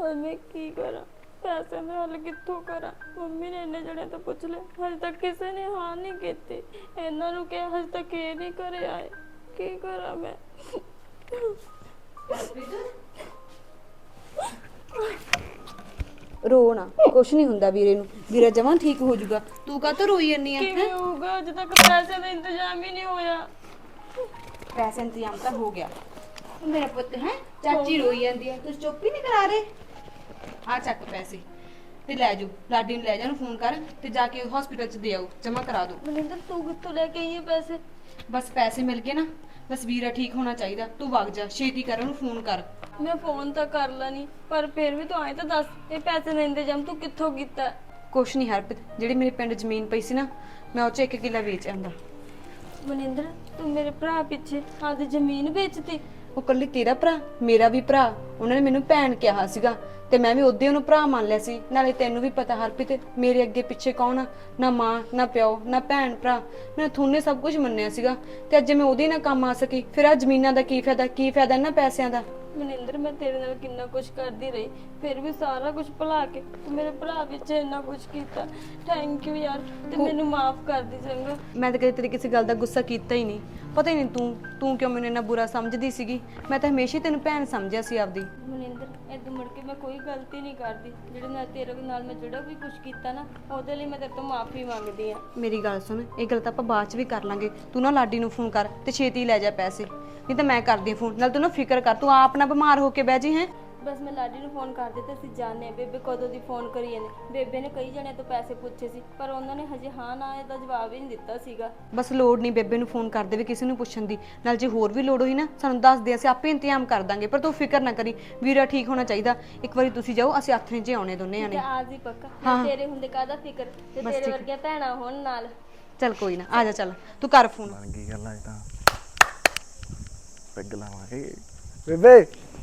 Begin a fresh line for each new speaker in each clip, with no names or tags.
ਹੁਣ ਮੈਂ ਕੀ ਕਰਾਂ? ਪੈਸੇ ਦਾ ਹੱਲ ਕਿੱਥੋਂ ਕਰਾਂ? ਮੰਮੀ ਨੇ ਇੰਨੇ ਜਣੇ ਤੋਂ ਪੁੱਛ ਲਿਆ, ਹਜੇ ਤੱਕ ਕਿਸੇ ਨੇ ਹਾਂ ਨਹੀਂ ਕੀਤੀ। ਇਹਨਾਂ ਨੂੰ ਕਿਹਾ, ਹਜੇ ਤੱਕ ਇਹ ਨਹੀਂ ਘਰੇ ਆਏ। ਕੀ ਕਰਾਂ ਮੈਂ?
ਰੋ ਨਾ, ਕੁਛ ਨਹੀਂ ਹੁੰਦਾ ਵੀਰੇ ਨੂੰ। ਵੀਰਾ ਜਮਾਂ ਠੀਕ ਹੋ ਜਾਊਗਾ। ਤੂੰ ਕਾਹਤੋਂ ਰੋਈ ਜੰਨੀ ਆ?
ਕਿਵੇਂ ਹੋਊਗਾ? ਅਜੇ ਤੱਕ ਪੈਸੇ ਦਾ ਇੰਤਜ਼ਾਮ ਹੀ ਨਹੀਂ ਹੋਇਆ।
ਪੈਸੇ ਇੰਤਜ਼ਾਮ ਤਾਂ ਹੋ ਗਿਆ। ਮੇਰਾ ਪੁੱਤ ਹੈ, ਚਾਚੀ ਰੋਈ ਜਾਂਦੀ ਹੈ, ਤੁਸੀਂ ਚੁੱਪ ਹੀ ਨਹੀਂ ਕਰਾ ਰਹੇ। ਆ ਚੱਕ ਪੈਸੇ ਤੇ ਲੈ ਜਾਓ, ਲਾਡੀ ਨੂੰ ਲੈ ਜਾ, ਉਹਨੂੰ ਫੋਨ ਕਰ ਤੇ ਜਾ ਕੇ ਹਸਪੀਟਲ 'ਚ ਦੇ ਆਓ, ਜਮਾ ਕਰਾ ਦਿਓ।
ਮਨਿੰਦਰ ਤੂੰ ਕਿੱਥੋਂ ਲੈ ਕੇ ਆਈ ਇਹ ਪੈਸੇ?
ਬਸ ਪੈਸੇ ਮਿਲ ਗਏ ਨਾ, ਬਸ ਵੀਰਾ ਠੀਕ ਹੋਣਾ ਚਾਹੀਦਾ। ਤੂੰ ਵਗ ਜਾ, ਛੇਤੀ ਕਰ, ਉਹਨੂੰ ਫੋਨ ਕਰ।
ਮੈਂ ਫੋਨ ਤਾਂ ਕਰ ਲੈਣੀ, ਪਰ ਫਿਰ ਵੀ ਤੂੰ ਆਏ ਤਾਂ ਦੱਸ, ਇਹ ਪੈਸੇ ਦਾ ਇੰਤਜ਼ਾਮ ਤੂੰ ਕਿੱਥੋਂ ਕੀਤਾ?
ਕੁਛ ਨਹੀਂ ਹਰਪ੍ਰੀਤ, ਜਿਹੜੀ ਮੇਰੇ ਪਿੰਡ ਜ਼ਮੀਨ ਪਈ ਸੀ ਨਾ, ਮੈਂ ਉਹ 'ਚ 1 ਕਿੱਲਾ ਵੇਚ ਆਂਦਾ।
ਮਨਿੰਦਰ ਤੂੰ ਮੇਰੇ ਭਰਾ ਪਿੱਛੇ ਆਪਦੀ ਜ਼ਮੀਨ ਵੇਚਤੀ?
ਉਹ ਕੱਲੀ ਤੇਰਾ ਭਰਾ, ਮੇਰਾ ਵੀ ਭਰਾ। ਉਹਨਾਂ ਨੇ ਮੈਨੂੰ ਭੈਣ ਕਿਹਾ ਸੀਗਾ ਤੇ ਮੈਂ ਵੀ ਉਹਦੇ ਉਹਨੂੰ ਭਰਾ ਮੰਨ ਲਿਆ ਸੀ। ਨਾਲੇ ਤੈਨੂੰ ਵੀ ਪਤਾ ਹਰਪ੍ਰੀਤ, ਮੇਰੇ ਅੱਗੇ ਪਿੱਛੇ ਕੌਣ ਆ? ਨਾ ਮਾਂ, ਨਾ ਪਿਓ, ਨਾ ਭੈਣ ਭਰਾ। ਮੈਂ ਥੋਨੇ ਸਭ ਕੁਝ ਮੰਨਿਆ ਸੀਗਾ ਤੇ ਅੱਜ ਮੈਂ ਉਹਦੇ ਨਾਲ ਕੰਮ ਆ ਸਕੀ, ਫਿਰ ਆ ਜ਼ਮੀਨਾਂ ਦਾ ਕੀ ਫਾਇਦਾ? ਕੀ ਫਾਇਦਾ ਇਹਨਾਂ ਪੈਸਿਆਂ ਦਾ?
ਮਨਿੰਦਰ ਮੈਂ ਤੇਰੇ ਨਾਲ ਕਿੰਨਾ ਕੁਝ ਕਰਦੀ ਰਹੀ, ਫਿਰ ਵੀ ਸਾਰਾ ਕੁਝ ਭੁਲਾ ਕੇ ਤੂੰ ਮੇਰੇ ਭਰਾ ਵਿੱਚ ਇੰਨਾ ਕੁਝ ਕੀਤਾ। ਥੈਂਕ ਯੂ ਯਾਰ, ਤੇ ਮੈਨੂੰ ਮਾਫ ਕਰ ਦੇ ਚੰਗਾ।
ਮੈਂ ਤਾਂ ਕਦੇ ਤੇਰੀ ਕਿਸੇ ਗੱਲ ਦਾ ਗੁੱਸਾ ਕੀਤਾ ਹੀ ਨਹੀਂ। ਪਤਾ ਹੀ ਨਹੀਂ ਤੂੰ ਕਿਉਂ ਮੈਨੂੰ ਇੰਨਾ ਬੁਰਾ ਸਮਝਦੀ ਸੀਗੀ। ਮੈਂ ਤਾਂ ਹਮੇਸ਼ਾ ਤੈਨੂੰ ਭੈਣ ਸਮਝਿਆ ਸੀ ਆਪਦੀ।
ਮਨਿੰਦਰ ਏਦਾਂ ਮੁੜ ਕੇ ਮੈਂ ਕੋਈ ਗਲਤੀ ਨਹੀਂ ਕਰਦੀ। ਜਿਹੜੇ ਨਾਲ ਤੇਰੇ ਨਾਲ ਮੈਂ ਜਿਹੜਾ ਵੀ ਕੁਝ ਕੀਤਾ ਨਾ, ਉਹਦੇ ਲਈ ਮੈਂ ਤੇਰੇ ਤੋਂ ਮਾਫੀ ਮੰਗਦੀ ਆ।
ਮੇਰੀ ਗੱਲ ਸੁਣ, ਇਹ ਗੱਲ ਤਾਂ ਆਪਾਂ ਬਾਅਦ 'ਚ ਵੀ ਕਰ ਲਾਂਗੇ। ਤੂੰ ਨਾ ਲਾਡੀ ਨੂੰ ਫੋਨ ਕਰ ਤੇ ਛੇਤੀ ਲੈ ਜਾ ਪੈਸੇ, ਨਹੀਂ ਤਾਂ ਮੈਂ ਕਰਦੀ ਫੋਨ। ਨਾਲ ਤੂੰ ਨਾ ਫਿਕਰ ਕਰ, ਤੂੰ ਆਪ ਨਾ ਬਿਮਾਰ ਹੋ ਕੇ ਬਹਿ ਜੀ। ਹੈ
ਬਸ ਮੈਂ ਲਾਡੀ ਨੂੰ ਫੋਨ ਕਰ ਦਿੱਤਾ ਸੀ। ਜਾਣੇ ਬੇਬੇ ਕਦੋਂ ਦੀ ਫੋਨ ਕਰੀ ਜਾਂਦੇ। ਬੇਬੇ ਨੇ ਕਈ ਜਣਿਆਂ ਤੋਂ ਪੈਸੇ ਪੁੱਛੇ ਸੀ, ਪਰ ਉਹਨਾਂ ਨੇ ਹਜੇ ਹਾਂ ਨਾ ਇਹਦਾ ਜਵਾਬ ਹੀ ਨਹੀਂ ਦਿੱਤਾ ਸੀਗਾ।
ਬਸ ਲੋੜ ਨਹੀਂ ਬੇਬੇ ਨੂੰ ਫੋਨ ਕਰ ਦੇਵੇ ਕਿਸੇ ਨੂੰ ਪੁੱਛਣ ਦੀ। ਨਾਲ ਜੇ ਹੋਰ ਵੀ ਲੋੜ ਹੋਈ ਨਾ ਸਾਨੂੰ ਦੱਸ ਦੇ, ਅਸੀਂ ਆਪੇ ਇੰਤਜ਼ਾਮ ਕਰ ਦਾਂਗੇ। ਪਰ ਤੂੰ ਫਿਕਰ ਨਾ ਕਰੀ, ਵੀਰਾ ਠੀਕ ਹੋਣਾ ਚਾਹੀਦਾ। ਇੱਕ ਵਾਰੀ ਤੁਸੀਂ ਜਾਓ, ਅਸੀਂ ਹੱਥ 'ਚ ਆਉਣੇ ਦੋਨੇ ਜਾਣੇ।
ਆਜ ਹੀ ਪੱਕਾ। ਤੇਰੇ ਹੁੰਦੇ ਕਾਹਦਾ ਫਿਕਰ, ਤੇ ਤੇਰੇ ਵਰਗੀਆਂ ਭੈਣਾਂ ਹੋਣ ਨਾਲ।
ਚੱਲ ਕੋਈ ਨਾ, ਆ ਜਾ, ਚੱਲ ਤੂੰ ਕਰ ਫੋਨ।
ਬਣ ਗਈ ਗੱਲ ਅੱਜ ਤਾਂ। ਪੈਗ ਲਾਵਾਂਗੇ। ਬੇਬੇ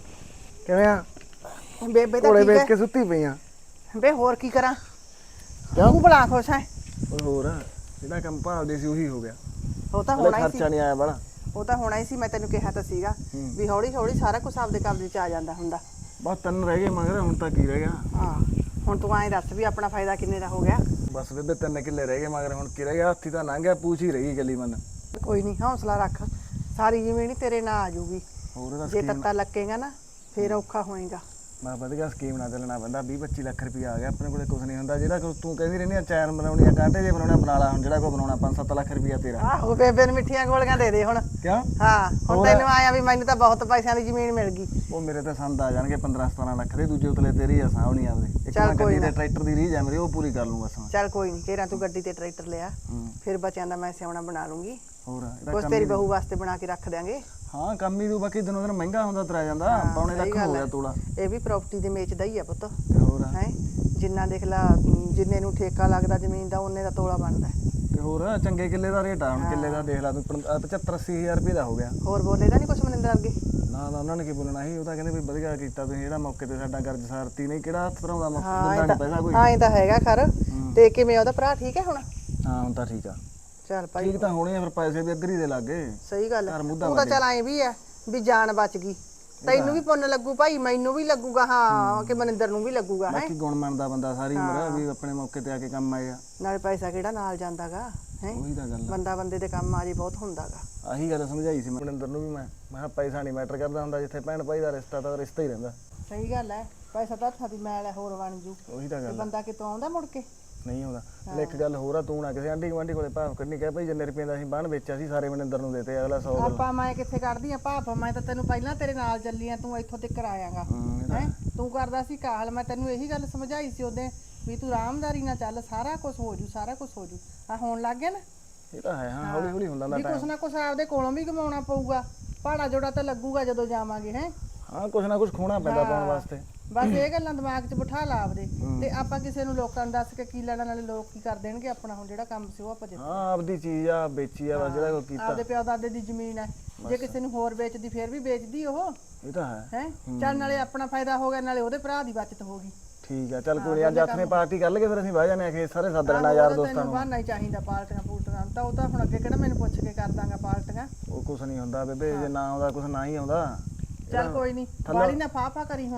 ਕਿਵੇਂ ਆ?
ਬੇਬੇ ਤਾਂ
ਕੋਲੇ
ਠੀਕ
ਵੇਚ
ਹੈ
ਕੇ ਸੁੱਤੀ ਪਈ ਆ।
ਬੇ ਹੋਰ ਕੀ ਕਰਾਂ?
ਕਿਉਂ?
ਤੂੰ ਬੜਾ ਖੁਸ਼ ਹੈ।
ਓਏ ਹੋਰ ਜਿਹੜਾ ਕੰਮ ਭਾਲਦੇ ਸੀ ਉਹੀ ਹੋ ਗਿਆ।
ਉਹ ਤਾਂ
ਹਲੇ
ਹੋਣਾ ਹੀ
ਖਰਚਾ
ਸੀ।
ਨਹੀਂ ਆਇਆ ਬੜਾ।
ਉਹ ਤਾਂ ਹੋਣਾ ਹੀ ਸੀ। ਮੈਂ ਤੈਨੂੰ ਕਿਹਾ ਤਾਂ ਸੀਗਾ ਵੀ ਹੌਲੀ ਹੌਲੀ ਸਾਰਾ ਕੁਝ ਆਪਦੇ ਕਬਜ਼ੇ 'ਚ ਆ ਜਾਂਦਾ ਹੁੰਦਾ।
ਬਸ 3 ਰਹਿ ਗਏ ਮਗਰ, ਹੁਣ ਤਾਂ ਕੀ ਰਹਿ ਗਿਆ?
ਹਾਂ ਹੁਣ ਤੂੰ ਐਂ ਦੱਸ ਵੀ ਆਪਣਾ ਫਾਇਦਾ ਕਿੰਨੇ ਦਾ ਹੋ ਗਿਆ?
ਬਸ ਬੇਬੇ 3 ਕਿੱਲੇ ਰਹਿ ਗਏ ਮਗਰ, ਹੁਣ ਕੀ ਰਹਿ ਗਿਆ? ਹੱਥੀ ਤਾਂ ਲੰਘ ਗਿਆ, ਪੂਛ ਹੀ ਰਹਿ ਗਈ ਗੱਲੀ ਮਨ।
ਕੋਈ ਨਹੀਂ, ਹੌਸਲਾ ਰੱਖ। ਸਾਰੀ ਜ਼ਮੀਨ ਹੀ ਤੇਰੇ ਨਾਲ ਆ ਜਾਊਗੀ।
ਹੋਰ ਉਹਦਾ
ਜੇ
ਸਕੀਮ
ਤੱਤਾ ਲੱਗੇਗਾ ਨਾ ਫੇਰ ਔਖਾ ਹੋਏਗਾ।
ਮੈਂ ਵਧੀਆ ਸਕੀਮ ਨਾਲ ਚੱਲਣਾ ਪੈਂਦਾ। 20-25 ਲੱਖ ਰੁਪਇਆ ਆ ਗਿਆ ਆਪਣੇ ਕੋਲੇ। ਕੁਝ ਨਹੀਂ ਹੁੰਦਾ। ਜਿਹੜਾ ਤੂੰ ਕਹਿੰਦੀ ਰਹਿੰਦੀ ਆ ਚੈਨ ਬਣਾਉਣੀ ਆ, ਕਾਂਟੇ ਜੇ ਬਣਾਉਣਾ, ਬਣਾ ਲਾ। ਹੁਣ ਜਿਹੜਾ ਕੋ ਬਣਾਉਣਾ 5-7 ਲੱਖ ਰੁਪਇਆ ਤੇਰਾ।
ਆਹੋ ਬੇਬੇ ਨੂੰ ਮਿੱਠੀਆਂ ਗੋਲੀਆਂ ਦੇ ਦੇ ਹੁਣ।
ਕਿਉਂ?
ਹਾਂ ਹੁਣ ਤੈਨੂੰ ਆਇਆ ਵੀ ਮੈਨੂੰ ਤਾਂ ਬਹੁਤ ਪੈਸਿਆਂ ਦੀ ਜ਼ਮੀਨ ਮਿਲ ਗਈ।
ਉਹ ਮੇਰੇ ਤਾਂ ਸੰਦ ਆ ਜਾਣਗੇ 15-17 ਲੱਖ ਦੇ। ਦੂਜੇ ਉਤਲੇ ਤੇਰੀ ਆ, ਸਾਹ ਨਹੀਂ ਆਪਦੇ। ਇੱਕ
ਚੱਲ
ਮੈਂ
ਕੋਈ
ਗੱਡੀ
ਨਾ।
ਤੇ ਟਰੈਕਟਰ ਦੀ ਰੀਝ ਆ ਮੇਰੀ, ਉਹ ਪੂਰੀ ਕਰ ਲੂੰ ਬਸ ਮੈਂ।
ਚੱਲ ਕੋਈ ਨਹੀਂ, ਤੇਰਾ ਤੂੰ ਗੱਡੀ ਤੇ ਟਰੈਕਟਰ ਲਿਆ,
ਹੂੰ।
ਫਿਰ ਬੱਚਿਆਂ ਦਾ ਮੈਂ ਸਿਆਉਣਾ ਬਣਾ ਲੂੰਗੀ।
ਹੋਰ ਇਹਦਾ
ਕੁਛ
ਕੰਮ
ਤੇਰੀ
ਹੀ-
ਬਹੂ ਵਾਸਤੇ ਬਣਾ ਕੇ ਰੱਖ ਦਿਆਂਗੇ।
ਹਾਂ ਕੰਮ ਹੀ ਤੂੰ। ਬਾਕੀ ਦਿਨੋਂ ਦਿਨ ਮਹਿੰਗਾ ਹੁੰਦਾ ਤੁਰਿਆ ਜਾਂਦਾ। ਪੌਣੇ ਲੱਖ ਹੋ ਗਿਆ ਤੋਲਾ।
ਇਹ ਵੀ ਪ੍ਰਾਪਰਟੀ ਦੇ ਮੇਚਦਾ ਹੀ ਆ ਪੁੱਤ।
ਤੇ ਹੋਰ
ਹੈ ਜਿੰਨਾ ਦੇਖ ਲਾ, ਜਿੰਨੇ ਨੂੰ ਠੇਕਾ ਲੱਗਦਾ ਜ਼ਮੀਨ ਦਾ ਉਹਨੇ ਦਾ ਤੋਲਾ ਬਣਦਾ।
ਤੇ ਹੋਰ ਚੰਗੇ ਕਿੱਲੇ ਦਾ ਰੇਟ ਆ। ਹੁਣ ਕਿੱਲੇ ਦਾ ਦੇਖ ਲਾ ਤੂੰ 75-80 ਹਜ਼ਾਰ ਰੁਪਏ ਦਾ ਹੋ ਗਿਆ।
ਹੋਰ ਬੋਲੇਗਾ ਨਹੀਂ ਕੁਛ ਮਨਿੰਦਰ ਅੱਗੇ?
ਨਾ ਨਾ ਉਹਨਾਂ ਨੇ ਕੀ ਬੋਲਣਾ ਸੀ। ਉਹ ਤਾਂ ਕਹਿੰਦੇ ਵੀ ਵਧੀਆ ਕੀਤਾ ਤੁਸੀਂ, ਜਿਹੜਾ ਮੌਕੇ ਤੇ ਸਾਡਾ ਕਰਜ਼ ਸਾਰਤੀ। ਨਹੀਂ ਕਿਹੜਾ ਹੱਥ ਭਰਾਉਂਦਾ ਮੌਕੇ
ਹਾਂ
ਦਿੰਦਾ ਨਹੀਂ ਪੈਸਾ ਕੋਈ।
ਇਹ ਤਾਂ ਹੈਗਾ ਖਰ। ਤੇ ਕਿਵੇਂ ਉਹਦਾ ਭਰਾ ਠੀਕ ਹੈ ਹੁਣ?
ਹਾਂ ਹੁਣ ਤਾਂ ਠੀਕ ਆ।
ਚੱਲ ਭਾਈ
ਠੀਕ ਤਾਂ ਹੋਣੀ ਆ, ਫਿਰ ਪੈਸੇ ਵੀ ਅੱਧਰੀ ਦੇ ਲੱਗੇ।
ਸਹੀ ਗੱਲ ਹੈ।
ਘਰ ਮੁੱਦਾ
ਤੂੰ ਤਾਂ ਚੱਲ ਐਂ ਵੀ ਆ ਵੀ ਜਾਨ ਬਚ ਗਈ। ਤੈਨੂੰ ਵੀ ਪੁੰਨ ਲੱਗੂ ਭਾਈ, ਮੈਨੂੰ ਵੀ ਲੱਗੂਗਾ, ਹਾਂ ਕਿ ਮਨਿੰਦਰ ਨੂੰ ਵੀ ਲੱਗੂਗਾ। ਹੈ
ਬਾਕੀ ਗੁਣ ਮੰਨਦਾ ਬੰਦਾ ਸਾਰੀ ਉਮਰ ਵੀ ਆਪਣੇ ਮੌਕੇ ਤੇ ਆ ਕੇ ਕੰਮ ਆਏਗਾ।
ਨਾਲੇ ਪੈਸਾ ਕਿਹੜਾ ਨਾਲ ਜਾਂਦਾਗਾ। ਹੈ
ਉਹੀ ਤਾਂ ਗੱਲ ਆ।
ਬੰਦਾ ਬੰਦੇ ਦੇ ਕੰਮ ਆ ਜੇ ਬਹੁਤ ਹੁੰਦਾਗਾ।
ਆਹੀ ਗੱਲ ਸਮਝਾਈ ਸੀ ਮਨਿੰਦਰ ਨੂੰ ਵੀ ਮੈਂ ਕਿਹਾ ਪੈਸਾ ਨਹੀਂ ਮੈਟਰ ਕਰਦਾ ਹੁੰਦਾ। ਜਿੱਥੇ ਭੈਣ ਭਾਈ ਦਾ ਰਿਸ਼ਤਾ ਤਾਂ ਰਿਸ਼ਤਾ ਹੀ ਰਹਿੰਦਾ।
ਸਹੀ ਗੱਲ ਹੈ। ਪੈਸਾ ਤਾਂ ਹੱਥਾਂ ਦੀ ਮੈਲ ਹੈ, ਹੋਰ ਬਣ ਜੂ।
ਉਹੀ ਤਾਂ
ਤੇ
ਗੱਲ ਆ।
ਬੰਦਾ ਕਿਤੋਂ ਆਉਂਦਾ ਮੁੜ ਕੇ?
ਨਹੀਂ ਆਉਂਦਾ। ਤੇ ਇੱਕ ਗੱਲ ਹੋਰ ਆ, ਤੂੰ ਨਾ ਕਿਸੇ ਆਂਢੀ ਗੁਆਂਢੀ ਕੋਲੇ ਭਾਵ ਕੱਢਣੀ। ਕਹਿ ਭਾਈ ਜਿੰਨੇ ਰੁਪਏ ਦਾ ਅਸੀਂ ਬਾਣ ਵੇਚਿਆ ਸੀ ਸਾਰੇ ਮਨਿੰਦਰ ਨੂੰ ਦੇਤੇ। ਅਗਲਾ 100 ਗੱਲ।
ਆਪਾਂ ਮੈਂ ਕਿੱਥੇ ਕੱਢਦੀ ਆ ਭਾਪ? ਮੈਂ ਤਾਂ ਤੈਨੂੰ ਪਹਿਲਾਂ ਤੇਰੇ ਨਾਲ ਚੱਲੀ ਆ, ਤੂੰ ਇੱਥੋਂ ਤੱਕ ਆਇਆਗਾ। ਹੈ ਤੂੰ ਕਰਦਾ ਸੀ ਕਾਹਲ। ਮੈਂ ਤੈਨੂੰ ਇਹੀ ਗੱਲ ਸਮਝਾਈ ਸੀ ਉਹਦੇ ਵੀ ਤੂੰ ਆਰਾਮਦਾਰੀ ਨਾਲ ਚੱਲ, ਸਾਰਾ ਕੁਝ ਹੋ ਜੂ, ਸਾਰਾ ਕੁਝ ਹੋ ਜੂ। ਆ ਹੋਣ ਲੱਗ ਗਿਆ ਨਾ।
ਇਹ ਤਾਂ ਹੈ। ਹਾਂ ਹੌਲੀ ਹੌਲੀ ਹੁੰਦਾ
ਵੀ
ਟਾਈਮ।
ਕੁਛ ਨਾ ਕੁਛ ਆਪਦੇ ਕੋਲੋਂ ਵੀ ਕਮਾਉਣਾ ਪਊਗਾ। ਭਾੜਾ ਜੋੜਾ ਤਾਂ ਲੱਗੂਗਾ ਜਦੋਂ ਜਾਵਾਂਗੇ। ਹੈ
ਹਾਂ ਕੁਛ ਨਾ ਕੁਛ ਖੋਣਾ ਪੈਂਦਾ ਪਾਉਣ ਵਾਸਤੇ।
ਬਸ ਇਹ ਗੱਲਾਂ ਦਿਮਾਗ 'ਚ ਬਿਠਾ ਲਾ ਆਪਦੇ। ਤੇ ਆਪਾਂ ਕਿਸੇ ਨੂੰ ਲੋਕਾਂ ਨੂੰ ਦੱਸ ਕੇ ਕੀ ਲੈਣਾ? ਨਾਲੇ ਲੋਕ ਕੀ ਕਰ ਦੇਣਗੇ ਆਪਣਾ? ਹੁਣ ਜਿਹੜਾ ਕੰਮ ਸੀ ਉਹ ਆਪਾਂ ਜਿੱਤ
ਹਾਂ ਆਪਦੀ ਚੀਜ਼ ਆ, ਵੇਚੀ ਆ, ਬਸ ਜਿਹੜਾ ਕੋਈ ਕੀਤਾ।
ਆਪਦੇ ਪਿਓ ਦਾਦੇ ਦੀ ਜ਼ਮੀਨ ਹੈ। ਜੇ ਕਿਸੇ ਨੂੰ ਹੋਰ ਵੇਚਦੀ ਫੇਰ ਵੀ ਵੇਚਦੀ ਉਹ।
ਇਹ ਤਾਂ ਹੈ।
ਹੈ ਚੱਲ ਨਾਲੇ ਆਪਣਾ ਫਾਇਦਾ ਹੋ ਗਿਆ, ਨਾਲੇ ਉਹਦੇ ਭਰਾ ਦੀ ਬਚਤ ਹੋ ਗਈ।
ਠੀਕ ਆ। ਚੱਲ ਕੋਈ ਅੱਜ ਹੱਥ ਨੇ ਪਾਰਟੀ ਕਰ ਲਈਏ, ਫਿਰ ਅਸੀਂ ਬਹਿ ਜਾਣੇ ਆ ਖੇਤ ਸਾਰੇ ਸੱਦ ਲੈਣਾ ਯਾਰ ਦੋਸਤਾਂ
ਤੈਨੂੰ
ਨੂੰ।
ਬਹਾਨਾ ਹੀ ਚਾਹੀਦਾ ਪਾਲਟੀਆਂ ਪੂਲਟੀਆਂ ਤਾਂ। ਉਹ ਤਾਂ ਹੁਣ ਅੱਗੇ ਕਿਹੜਾ ਮੈਨੂੰ ਪੁੱਛ ਕੇ ਕਰ ਦਾਂਗਾ ਪਾਲਟੀਆਂ?
ਉਹ ਕੁਛ ਨਹੀਂ ਹੁੰਦਾ ਬੇਬੇ, ਜੇ ਨਾ ਆਉਂਦਾ ਕੁਛ ਨਾ ਹੀ ਆਉਂਦਾ।
ਚੱਲ ਕੋਈ ਨਹੀਂ, ਬਾੜੀ ਨਾ ਫਾਫਾ ਕਰੀ ਹੁਣ।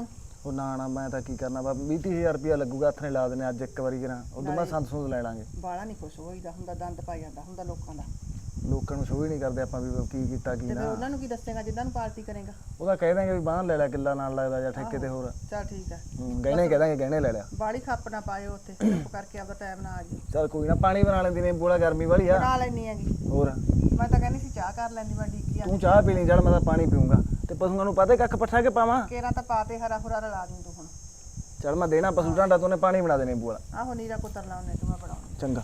ਉਹ ਨਾ ਮੈਂ ਤਾਂ ਕੀ ਕਰਨਾ ਬਾ 20-30,000 ਰੁਪਇਆ ਲੱਗੂਗਾ ਹੱਥ ਨੇ ਲਾ ਦੇਣੇ ਅੱਜ ਇੱਕ ਵਾਰੀ ਕਰਾਂ ਉਦੋਂ ਬਾਅਦ ਸੰਦ ਸੁੰਦ ਲੈ ਲਾਂਗੇ।
ਬਾਲਾ ਨਹੀਂ ਕੁਛ ਹੋਈਦਾ ਹੁੰਦਾ, ਦੰਦ ਪਾ ਜਾਂਦਾ ਹੁੰਦਾ ਲੋਕਾਂ ਦਾ।
ਲੋਕਾਂ ਨੂੰ ਸ਼ੋਅ ਹੀ ਨਹੀਂ ਕਰਦੇ ਆਪਾਂ ਵੀ ਕੀ ਕੀਤਾ ਕੀ
ਤੇ ਫਿਰ
ਨਾ।
ਉਹਨਾਂ ਨੂੰ ਕੀ ਦੱਸੇਗਾ ਜਿੱਦਾਂ ਨੂੰ ਪਾਰਟੀ ਕਰੇਗਾ?
ਉਹਦਾ ਕਹਿ ਦਾਂਗੇ ਵੀ ਬਾਹਰ ਲੈ ਲੈ ਕਿੱਲਾ ਨਾਲ ਲੱਗਦਾ ਜਾਂ ਠੇਕੇ ਤੇ ਹੋਰ।
ਚੱਲ ਠੀਕ ਹੈ,
ਗਹਿਣੇ ਕਹਿ ਦਾਂਗੇ ਗਹਿਣੇ ਲੈ ਲਿਆ।
ਬਾਲੀ ਖੱਪ ਨਾ ਪਾਇਓ ਉੱਥੇ, ਚੁੱਪ ਕਰਕੇ ਆਪਦਾ ਟਾਈਮ ਨਾ ਆ ਜੀ।
ਚੱਲ ਕੋਈ ਨਾ ਪਾਣੀ ਬਣਾ ਲੈਂਦੀ ਨੇ ਬੋਲਾ ਗਰਮੀ ਵਾਲੀ ਆ।
ਬਣਾ ਲੈਣੀ ਹੈਗੀ।
ਹੋਰ
ਮੈਂ ਤਾਂ ਕਹਿੰਦੀ ਸੀ ਚਾਹ ਕਰ ਲੈਂਦੀ, ਮੈਂ ਡੀਕੀ ਆ।
ਤੂੰ ਚਾਹ ਪੀ ਲਈ ਚੱਲ ਮੈਂ ਤਾਂ ਪਾਣੀ ਪੀਊਂਗਾ ਤੇ ਪਸ਼ੂਆਂ ਨੂੰ ਪਤਾ ਕੱਖ ਪੱਠਾ ਕੇ ਪਾਵਾਂ।
ਕੇਰਾ ਤਾਂ ਪਾਤੇ ਹਰਾ ਹੁਰਾ ਰਲਾ ਦੂੰ ਤੂੰ ਹੁਣ।
ਚੱਲ ਮੈਂ ਦੇਣਾ ਪਸ਼ੂ ਢਾਂਡਾ ਤੂੰ ਨੇ ਪਾਣੀ ਬਣਾ ਦੇਣੇ ਬੋਲਾ।
ਆਹੋ ਨੀਰਾ ਕੁੱਤਰ ਲਾਉਣੇ ਤੂੰ, ਮੈਂ ਬਣਾਉਣਾ।
ਚੰਗਾ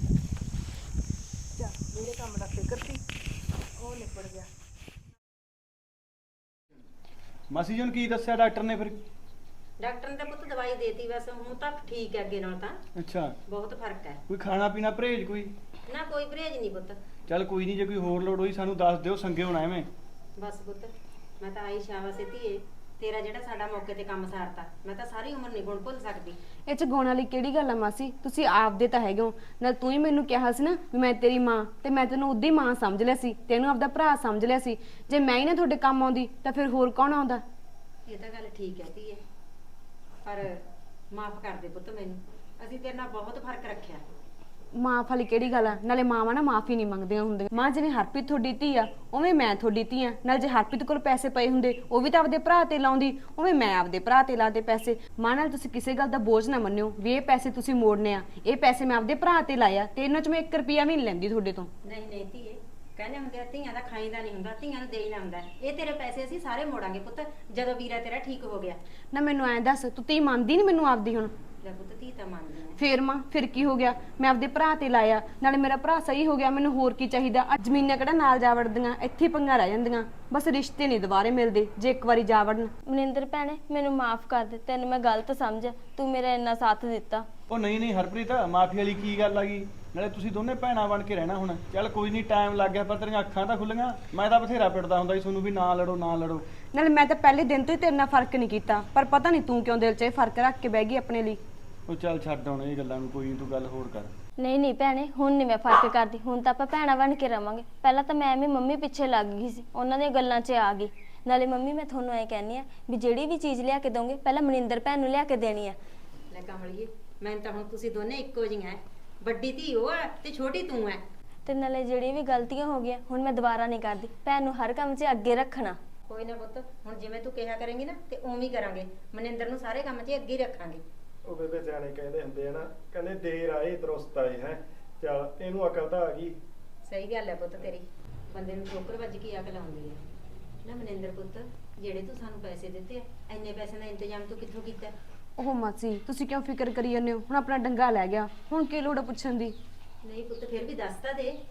ਚੱਲ ਮੇਰੇ ਕੰਮ ਦਾ ਫਿਕਰ ਸੀ, ਉਹ ਨਿਬੜ ਗਿਆ।
ਮਾਸੀ ਜੀ ਨੂੰ ਕੀ ਦੱਸਿਆ ਡਾਕਟਰ ਨੇ ਫਿਰ?
ਡਾਕਟਰ ਨੇ ਤਾਂ ਪੁੱਤ ਦਵਾਈ ਦੇਤੀ, ਬਸ ਹੁਣ ਤਾਂ ਠੀਕ ਹੈ, ਅੱਗੇ ਨਾਲ ਤਾਂ
ਅੱਛਾ,
ਬਹੁਤ ਫਰਕ ਹੈ।
ਕੋਈ ਖਾਣਾ ਪੀਣਾ ਪਰਹੇਜ ਕੋਈ?
ਨਾ ਕੋਈ ਪਰਹੇਜ ਨਹੀਂ ਪੁੱਤ।
ਚੱਲ ਕੋਈ ਨਹੀਂ, ਜੇ ਕੋਈ ਹੋਰ ਲੋੜ ਹੋਈ ਸਾਨੂੰ ਦੱਸ ਦਿਓ, ਸੰਗੇ ਹੋਣਾ ਐਵੇਂ।
ਬਸ ਪੁੱਤ ਮੈਂ ਤਾਂ ਆਈ ਸ਼ਾਬਾਸ਼ ਧੀਏ, ਤੇਰਾ ਜਿਹੜਾ ਸਾਡਾ ਮੌਕੇ ਤੇ ਕੰਮ ਸਾਰਤਾ, ਮੈਂ ਤਾਂ ਸਾਰੀ ਉਮਰ ਨਹੀਂ ਗੁਣ ਭੁੱਲ ਸਕਦੀ।
ਇਹ ਚ ਗਾਉਣ ਵਾਲੀ ਕਿਹੜੀ ਗੱਲ ਆ ਮਾਸੀ, ਤੁਸੀਂ ਆਪਦੇ ਤਾਂ ਹੈਗੇ ਹੋ ਨਾਲ। ਤੂੰ ਹੀ ਮੈਨੂੰ ਕਿਹਾ ਸੀ ਨਾ ਵੀ ਮੈਂ ਤੇਰੀ ਮਾਂ, ਤੇ ਮੈਂ ਤੈਨੂੰ ਉਦੀ ਮਾਂ ਸਮਝ ਲਿਆ ਸੀ, ਤੈਨੂੰ ਆਪਦਾ ਭਰਾ ਸਮਝ ਲਿਆ ਸੀ। ਜੇ ਮੈਂ ਹੀ ਨਾ ਤੁਹਾਡੇ ਕੰਮ ਆਉਂਦੀ ਤਾਂ ਫਿਰ ਹੋਰ ਕੌਣ ਆਉਂਦਾ?
ਇਹ ਤਾਂ ਗੱਲ ਠੀਕ ਹੈ ਧੀਏ, ਪਰ ਮਾਫ ਕਰ ਦੇ ਪੁੱਤ ਮੈਨੂੰ, ਅਸੀਂ ਤੇਰੇ ਨਾਲ ਬਹੁਤ ਫਰਕ ਰੱਖਿਆ।
ਮਾਂ ਵਾਲੀ ਕਿਹੜੀ ਗੱਲ ਆ, ਨਾਲੇ ਮਾਵਾਂ ਨਾ ਮਾਫੀ ਨਹੀਂ ਮੰਗਦੀਆਂ ਹੁੰਦੀਆਂ। ਮਾਂ ਜਿਵੇਂ ਹਰਪ੍ਰੀਤ ਤੁਹਾਡੀ ਧੀ ਆ, ਉਵੇਂ ਮੈਂ ਤੁਹਾਡੀ ਧੀ ਆ। ਨਾਲ ਜੇ ਹਰਪ੍ਰੀਤ ਕੋਲ ਪੈਸੇ ਪਏ ਹੁੰਦੇ ਉਹ ਵੀ ਤਾਂ ਆਪਦੇ ਭਰਾ ਤੇ ਲਾਉਂਦੀ, ਉਵੇਂ ਮੈਂ ਆਪਦੇ ਭਰਾ ਤੇ ਲਾਦੇ ਪੈਸੇ। ਮਾਂ ਨਾਲ ਤੁਸੀਂ ਕਿਸੇ ਗੱਲ ਦਾ ਬੋਝ ਨਾ ਮੰਨਿਓ ਵੀ ਇਹ ਪੈਸੇ ਤੁਸੀਂ ਮੋੜਨੇ ਆ। ਇਹ ਪੈਸੇ ਮੈਂ ਆਪਦੇ ਭਰਾ ਤੇ ਲਾਇਆ ਤੇ ਇਹਨਾਂ ਚ ਮੈਂ 1 ਰੁਪਿਆ ਵੀ ਨਹੀਂ ਲੈਂਦੀ ਤੁਹਾਡੇ ਤੋਂ।
ਨਹੀਂ ਨਹੀਂ ਧੀਏ, ਕਹਿੰਦੇ ਹੁੰਦੇ ਆ ਧੀਆਂ ਦਾ ਖਾਈਦਾ ਨਹੀਂ ਹੁੰਦਾ, ਧੀਆਂ ਨੂੰ ਦੇਈਦਾ ਹੁੰਦਾ। ਇਹ ਤੇਰੇ ਪੈਸੇ ਅਸੀਂ ਸਾਰੇ ਮੋੜਾਂਗੇ ਪੁੱਤ, ਜਦੋਂ ਵੀਰਾ ਤੇਰਾ ਠੀਕ ਹੋ ਗਿਆ।
ਨਾ ਮੈਨੂੰ ਐਂ ਦੱਸ, ਤੂੰ ਧੀ ਮੰਨਦੀ ਨਹੀਂ ਮੈਨੂੰ ਆਪਦੀ ਹੁਣ?
ਲੈ ਪੁੱਤ ਧੀ ਤਾਂ ਮੰਨਦੀ ਹੈ।
ਫੇਰ ਮਾਂ ਫਿਰ ਕੀ ਹੋ ਗਿਆ, ਮੈਂ ਆਪਦੇ ਭਰਾ ਤੇ ਲਾਇਆ, ਨਾਲੇ ਮੇਰਾ ਭਰਾ ਸਹੀ ਹੋ ਗਿਆ, ਮੈਨੂੰ ਹੋਰ ਕੀ ਚਾਹੀਦਾ। ਅੱਜ ਜ਼ਮੀਨਾਂ ਕਿਹੜਾ ਨਾਲ ਜਾ ਵੜਦੀਆਂ, ਇੱਥੇ ਪੰਗਾ ਰਹਿ ਜਾਂਦੀਆਂ। ਬਸ ਰਿਸ਼ਤੇ ਨਹੀਂ ਦੁਬਾਰੇ ਮਿਲਦੇ ਜੇ ਇੱਕ ਵਾਰੀ ਜਾ ਵੜਨ।
ਮਨਿੰਦਰ ਭੈਣੇ ਮੈਨੂੰ ਮਾਫ ਕਰ ਦੇ, ਤੈਨੂੰ ਮੈਂ ਗਲਤ ਸਮਝਿਆ, ਤੂੰ ਮੇਰਾ ਇੰਨਾ ਸਾਥ ਦਿੱਤਾ।
ਉਹ ਨਹੀਂ ਨਹੀਂ ਹਰਪ੍ਰੀਤ, ਮਾਫੀ ਵਾਲੀ ਕੀ ਗੱਲ ਆ ਗਈ? ਨਾਲੇ ਤੁਸੀਂ ਦੋਨੇ ਭੈਣਾਂ ਬਣ ਕੇ ਰਹਿਣਾ ਹੁਣ। ਚੱਲ ਕੋਈ ਨਹੀਂ, ਟਾਈਮ ਲੱਗ ਗਿਆ ਪਰ ਤੇਰੀਆਂ ਅੱਖਾਂ ਤਾਂ ਖੁੱਲੀਆਂ। ਮੈਂ ਤਾਂ ਬਥੇਰਾ ਪਿੜਦਾ ਹੁੰਦਾ ਸੀ ਤੁਹਾਨੂੰ ਵੀ ਨਾ ਲੜੋ ਨਾ ਲੜੋ।
ਨਾਲੇ ਮੈਂ ਤਾਂ ਪਹਿਲੇ ਦਿਨ ਤੋਂ ਹੀ ਤੇਰੇ ਨਾਲ ਫਰਕ ਨਹੀਂ ਕੀਤਾ, ਪਰ ਪਤਾ ਨਹੀਂ ਤੂੰ ਕਿਉਂ ਦਿਲ 'ਚ ਇਹ ਫਰਕ ਰੱਖ ਕੇ ਬਹਿ ਗਈ ਆਪਣੇ ਲਈ।
ਉਹ ਚੱਲ ਛੱਡ ਹੁਣ ਇਹ ਗੱਲਾਂ ਨੂੰ, ਕੋਈ ਨਹੀਂ, ਤੂੰ ਗੱਲ ਹੋਰ ਕਰ।
ਨਹੀਂ ਨਹੀਂ ਭੈਣੇ, ਹੁਣ ਨਹੀਂ ਮੈਂ ਫਰਕ ਕਰਦੀ, ਹੁਣ ਤਾਂ ਆਪਾਂ ਭੈਣਾਂ ਬਣ ਕੇ ਰਵਾਂਗੇ। ਪਹਿਲਾਂ ਤਾਂ ਮੈਂ ਵੀ ਮੰਮੀ ਪਿੱਛੇ ਲੱਗ ਗਈ ਸੀ, ਉਹਨਾਂ ਦੀਆਂ ਗੱਲਾਂ 'ਚ ਆ ਗਈ। ਨਾਲੇ ਮੰਮੀ ਮੈਂ ਤੁਹਾਨੂੰ ਐ ਕਹਿੰਨੀ ਆ ਵੀ ਜਿਹੜੀ ਵੀ ਚੀਜ਼ ਲਿਆ ਕੇ ਦੋਗੇ ਪਹਿਲਾਂ ਮਨਿੰਦਰ ਭੈਣ ਨੂੰ ਲਿਆ ਕੇ ਦੇਣੀ ਆ।
ਲੈ ਕਮਲੀਏ, ਮੈਂ ਤਾਂ ਹੁਣ ਤੁਸੀਂ ਦੋਨੇ ਇੱਕੋ ਜਿਹੀਆਂ, ਵੱਡੀ ਧੀ ਉਹ ਹੈ ਤੇ ਛੋਟੀ ਤੂੰ ਹੈ।
ਤੇ ਨਾਲੇ ਜਿਹੜੀ ਵੀ ਗਲਤੀਆਂ ਹੋ ਗਈਆਂ ਹੁਣ ਮੈਂ ਦੁਬਾਰਾ ਨਹੀਂ ਕਰਦੀ, ਭੈਣ ਨੂੰ ਹਰ ਕੰਮ 'ਚ ਅੱਗੇ ਰੱਖਣਾ।
ਕੋਈ ਨਾ ਪੁੱਤ, ਹੁਣ ਜਿਵੇਂ ਤੂੰ ਕਿਹਾ ਕਰੇਂਗੀ ਨਾ ਤੇ ਉਵੇਂ ਹੀ ਕਰਾਂਗੇ। ਮਨਿੰਦਰ ਨੂੰ ਸਾਰੇ ਕੰਮ 'ਚ ਅੱਗੇ ਹੀ ਰੱਖਾਂਗੇ।
ਉਹ ਬੇਬੇ ਸਿਆਣੇ ਕਹਿੰਦੇ ਹੁੰਦੇ ਆ ਨਾ, ਕਹਿੰਦੇ ਦੇਰ ਆਏ ਦਰੁਸਤ ਆਏ ਹੈ। ਚੱਲ ਇਹਨੂੰ ਅਕਲ ਤਾਂ ਆ ਗਈ।
ਸਹੀ ਗੱਲ ਹੈ ਪੁੱਤ ਤੇਰੀ, ਬੰਦੇ ਨੂੰ ਠੋਕਰ ਵੱਜ ਕੇ ਅਕਲ ਆਉਂਦੀ ਹੈ ਨਾ। ਮਨਿੰਦਰ ਪੁੱਤ, ਜਿਹੜੇ ਤੂੰ ਸਾਨੂੰ ਪੈਸੇ ਦਿੱਤੇ ਆ, ਇੰਨੇ ਪੈਸੇ ਦਾ ਇੰਤਜ਼ਾਮ ਤੂੰ ਕਿੱਥੋਂ ਕੀਤਾ?
ਉਹ ਮਾਸੀ ਤੁਸੀਂ ਕਿਉਂ ਫਿਕਰ ਕਰੀ ਜਾਂਦੇ ਹੋ? ਹੁਣ ਆਪਣਾ ਡੰਗਾ ਲੈ ਗਿਆ, ਹੁਣ ਕੀ ਲੋੜ ਆ ਪੁੱਛਣ ਦੀ?
ਨਹੀਂ ਪੁੱਤ, ਫਿਰ ਵੀ ਦੱਸ ਤਾਂ ਦੇ।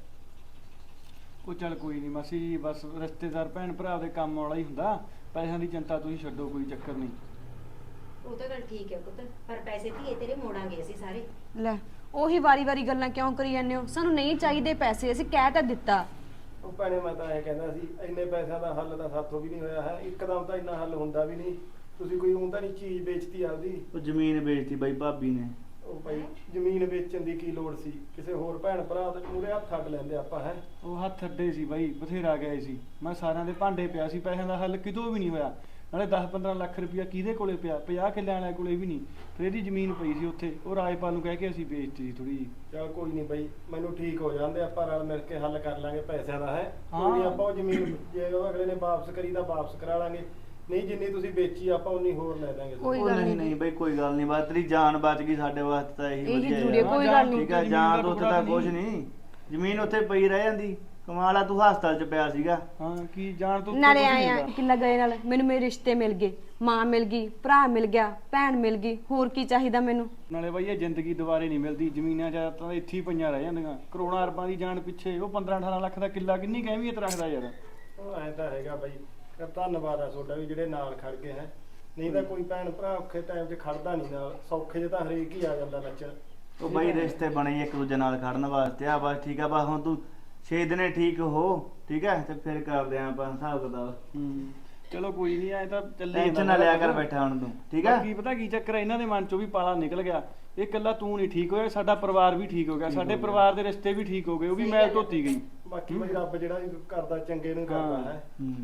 ਉਹ ਚੱਲ ਕੋਈ ਨਹੀਂ ਮਾਸੀ ਜੀ, ਬਸ ਰਿਸ਼ਤੇਦਾਰ ਭੈਣ ਭਰਾ ਦੇ ਕੰਮ ਵਾਲਾ ਹੀ ਹੁੰਦਾ। ਪੈਸਿਆਂ ਦੀ ਚਿੰਤਾ ਤੁਸੀਂ ਛੱਡੋ, ਕੋਈ ਚੱਕਰ ਨਹੀਂ।
ਉਹ ਤਾਂ ਗੱਲ ਠੀਕ ਹੈ ਪੁੱਤ, ਪਰ ਪੈਸੇ ਧੀਏ ਤੇਰੇ ਮੋੜਾਂਗੇ ਅਸੀਂ ਸਾਰੇ।
ਲੈ ਉਹੀ ਵਾਰੀ-ਵਾਰੀ ਗੱਲਾਂ ਕਿਉਂ ਕਰੀ ਜਾਂਦੇ ਹੋ? ਸਾਨੂੰ ਨਹੀਂ ਚਾਹੀਦੇ ਪੈਸੇ, ਅਸੀਂ ਕਹਿ ਤਾਂ ਦਿੱਤਾ।
ਉਹ ਭੈਣੇ ਮੈਂ ਤਾਂ ਐਂ ਕਹਿੰਦਾ ਸੀ, ਇੰਨੇ ਪੈਸਿਆਂ ਦਾ ਹੱਲ ਤਾਂ ਸਾਥੋਂ ਵੀ ਨਹੀਂ ਹੋਇਆ ਹੈ। ਇੱਕਦਮ ਤਾਂ ਇੰਨਾ ਹੱਲ ਹੁੰਦਾ ਵੀ ਨਹੀਂ। ਤੁਸੀਂ ਕੋਈ ਤਾਂ ਨਹੀਂ ਚੀਜ਼ ਵੇਚਤੀ ਆਪਦੀ?
ਉਹ ਜ਼ਮੀਨ ਵੇਚਤੀ ਬਾਈ ਭਾਬੀ ਨੇ।
ਉਹ ਭਾਈ ਜ਼ਮੀਨ ਵੇਚਣ ਦੀ ਕੀ ਲੋੜ ਸੀ? ਕਿਸੇ ਹੋਰ ਭੈਣ ਭਰਾ ਦੇ ਮੂਹਰੇ ਹੱਥ ਅੱਡ ਲੈਂਦੇ ਆਪਾਂ ਹੈ।
ਉਹ ਹੱਥ ਅੱਡੇ ਸੀ ਬਾਈ, ਬਥੇਰਾ ਗਏ ਸੀ। ਮੈਂ ਸਾਰਿਆਂ ਦੇ ਭਾਂਡੇ ਪਿਆ ਸੀ, ਪੈਸਿਆਂ ਦਾ ਹੱਲ ਕਿਤੋਂ ਵੀ ਨਹੀਂ ਹੋਇਆ। ਨਾਲੇ 10-15 ਲੱਖ ਰੁਪਇਆ ਕਿਹਦੇ ਕੋਲੇ ਪਿਆ? 50 ਕਿੱਲਿਆਂ ਵਾਲੇ ਕੋਲੇ ਵੀ ਨਹੀਂ। ਫਿਰ ਇਹਦੀ ਜ਼ਮੀਨ ਪਈ ਸੀ ਉੱਥੇ, ਉਹ ਰਾਜਪਾਲ ਨੂੰ ਕਹਿ ਕੇ ਅਸੀਂ ਵੇਚਤੀ ਸੀ ਥੋੜੀ ਜਿਹੀ।
ਚੱਲ ਕੋਈ ਨਹੀਂ ਬਾਈ, ਮੈਨੂੰ ਠੀਕ ਹੋ ਜਾਂਦੇ, ਆਪਾਂ ਰਲ ਮਿਲ ਕੇ ਹੱਲ ਕਰ ਲਾਂਗੇ ਪੈਸਿਆਂ ਦਾ ਹੈ। ਕੋਈ ਨਹੀਂ,
ਹਾਂ।
ਆਪਾਂ ਉਹ ਜ਼ਮੀਨ ਜੇ ਉਹ ਅਗਲੇ ਨੇ ਵਾਪਸ ਕਰੀ ਤਾਂ ਵਾਪਸ ਕਰਾ ਲਾਂਗੇ, ਨਹੀਂ ਜਿੰਨੀ ਤੁਸੀਂ ਵੇਚੀ ਆਪਾਂ ਉਨੀ ਹੋਰ ਲੈ ਦਾਂਗੇ।
ਕੋਈ
ਉਹ
ਗੱਲ
ਨਹੀਂ
ਨਹੀਂ
ਨਹੀਂ ਬਾਈ, ਕੋਈ ਗੱਲ ਨਹੀਂ, ਬਸ ਤੇਰੀ ਜਾਨ ਬਚ ਗਈ, ਸਾਡੇ ਵਾਸਤੇ ਤਾਂ ਇਹੀ
ਇਹੀ
ਵਧੀਆ
ਜ਼ਰੂਰੀ ਹੈ,
ਯਾਰ।
ਕੋਈ ਗੱਲ ਨਹੀਂ।
ਠੀਕ ਹੈ, ਜਾਨ ਤੋਂ ਉੱਥੇ ਤਾਂ ਕੁਝ ਨਹੀਂ, ਜ਼ਮੀਨ ਉੱਥੇ ਪਈ ਰਹਿ ਜਾਂਦੀ। ਕਮਾਲ ਆ, ਤੂੰ ਹਸਪਤਾਲ 'ਚ ਪਿਆ ਸੀਗਾ।
ਹਾਂ, ਕੀ ਜਾਣ ਤੋਂ
ਨਾਲੇ ਆਇਆ ਕਿੱਲਾ ਗਏ ਨਾਲ ਮੈਨੂੰ ਮੇਰੇ ਰਿਸ਼ਤੇ ਮਿਲ ਗਏ, ਮਾਂ ਮਿਲ ਗਈ, ਭਰਾ ਮਿਲ ਗਿਆ, ਭੈਣ ਮਿਲ ਗਈ, ਹੋਰ ਕੀ ਚਾਹੀਦਾ ਮੈਨੂੰ?
ਨਾਲੇ ਬਾਈ ਇਹ ਜ਼ਿੰਦਗੀ ਦੁਬਾਰੇ ਨਹੀਂ ਮਿਲਦੀ। ਜ਼ਮੀਨਾਂ ਜਾਂ ਤਾਂ ਇੱਥੇ ਹੀ ਪਈਆਂ ਰਹਿ ਜਾਂਦੀਆਂ, ਕਰੋੜਾਂ ਅਰਬਾਂ ਦੀ ਜਾਨ ਪਿੱਛੇ। ਉਹ 15-18 ਲੱਖ ਦਾ ਕਿੱਲਾ ਕਿੰਨੀ ਕੁ ਅਹਿਮੀਅਤ ਰੱਖਦਾ ਯਾਰ।
ਉਹ ਐਂ ਤਾਂ ਹੈਗਾ ਬਾਈ, ਪਰ ਧੰਨਵਾਦ ਆ ਤੁਹਾਡਾ ਵੀ ਜਿਹੜੇ ਨਾਲ ਖੜ ਗਏ ਹੈ। ਨਹੀਂ ਤਾਂ ਕੋਈ ਭੈਣ ਭਰਾ ਔਖੇ ਟਾਈਮ 'ਚ ਖੜਦਾ ਨਹੀਂ ਨਾਲ, ਸੌਖੇ 'ਚ ਤਾਂ ਹਰੇਕ ਹੀ ਆ ਜਾਂਦਾ ਨੱਚਣ।
ਉਹ ਬਾਈ ਰਿਸ਼ਤੇ ਬਣੇ ਇੱਕ ਦੂਜੇ ਨਾਲ ਖੜਨ ਵਾਸਤੇ ਆ, ਬਸ ਠੀਕ ਆ। ਬਸ ਹੁਣ ਤੂੰ 6 ਦਿਨੇ ਠੀਕ ਹੋ, ਠੀਕ ਹੈ, ਤੇ ਫਿਰ ਕਰਦੇ ਆਂ ਆਪਾਂ ਹਿਸਾਬ ਕਿਤਾਬ।
ਚਲੋ ਕੋਈ ਨਹੀਂ, ਐ ਤਾਂ ਚੱਲੇ
ਟੈਨਸ਼ਨ ਨਾ ਲਿਆ ਕਰ ਬੈਠਾ ਹੁਣ ਤੂੰ, ਠੀਕ ਹੈ।
ਕੀ ਪਤਾ ਕੀ ਚੱਕਰ ਹੈ, ਇਹਨਾਂ ਦੇ ਮਨ ਚੋਂ ਵੀ ਪਾਲਾ ਨਿਕਲ ਗਿਆ। ਇਹ ਇਕੱਲਾ ਤੂੰ ਨਹੀਂ ਠੀਕ ਹੋਇਆ, ਸਾਡਾ ਪਰਿਵਾਰ ਵੀ ਠੀਕ ਹੋ ਗਿਆ, ਸਾਡੇ ਪਰਿਵਾਰ ਦੇ ਰਿਸ਼ਤੇ ਵੀ ਠੀਕ ਹੋ ਗਏ, ਉਹ ਵੀ ਮੈਲ ਧੋਤੀ ਗਈ।
ਬਾਕੀ ਬਈ ਰੱਬ ਜਿਹੜਾ ਵੀ ਕਰਦਾ ਚੰਗੇ ਨੂੰ ਕਰਦਾ ਹੈ।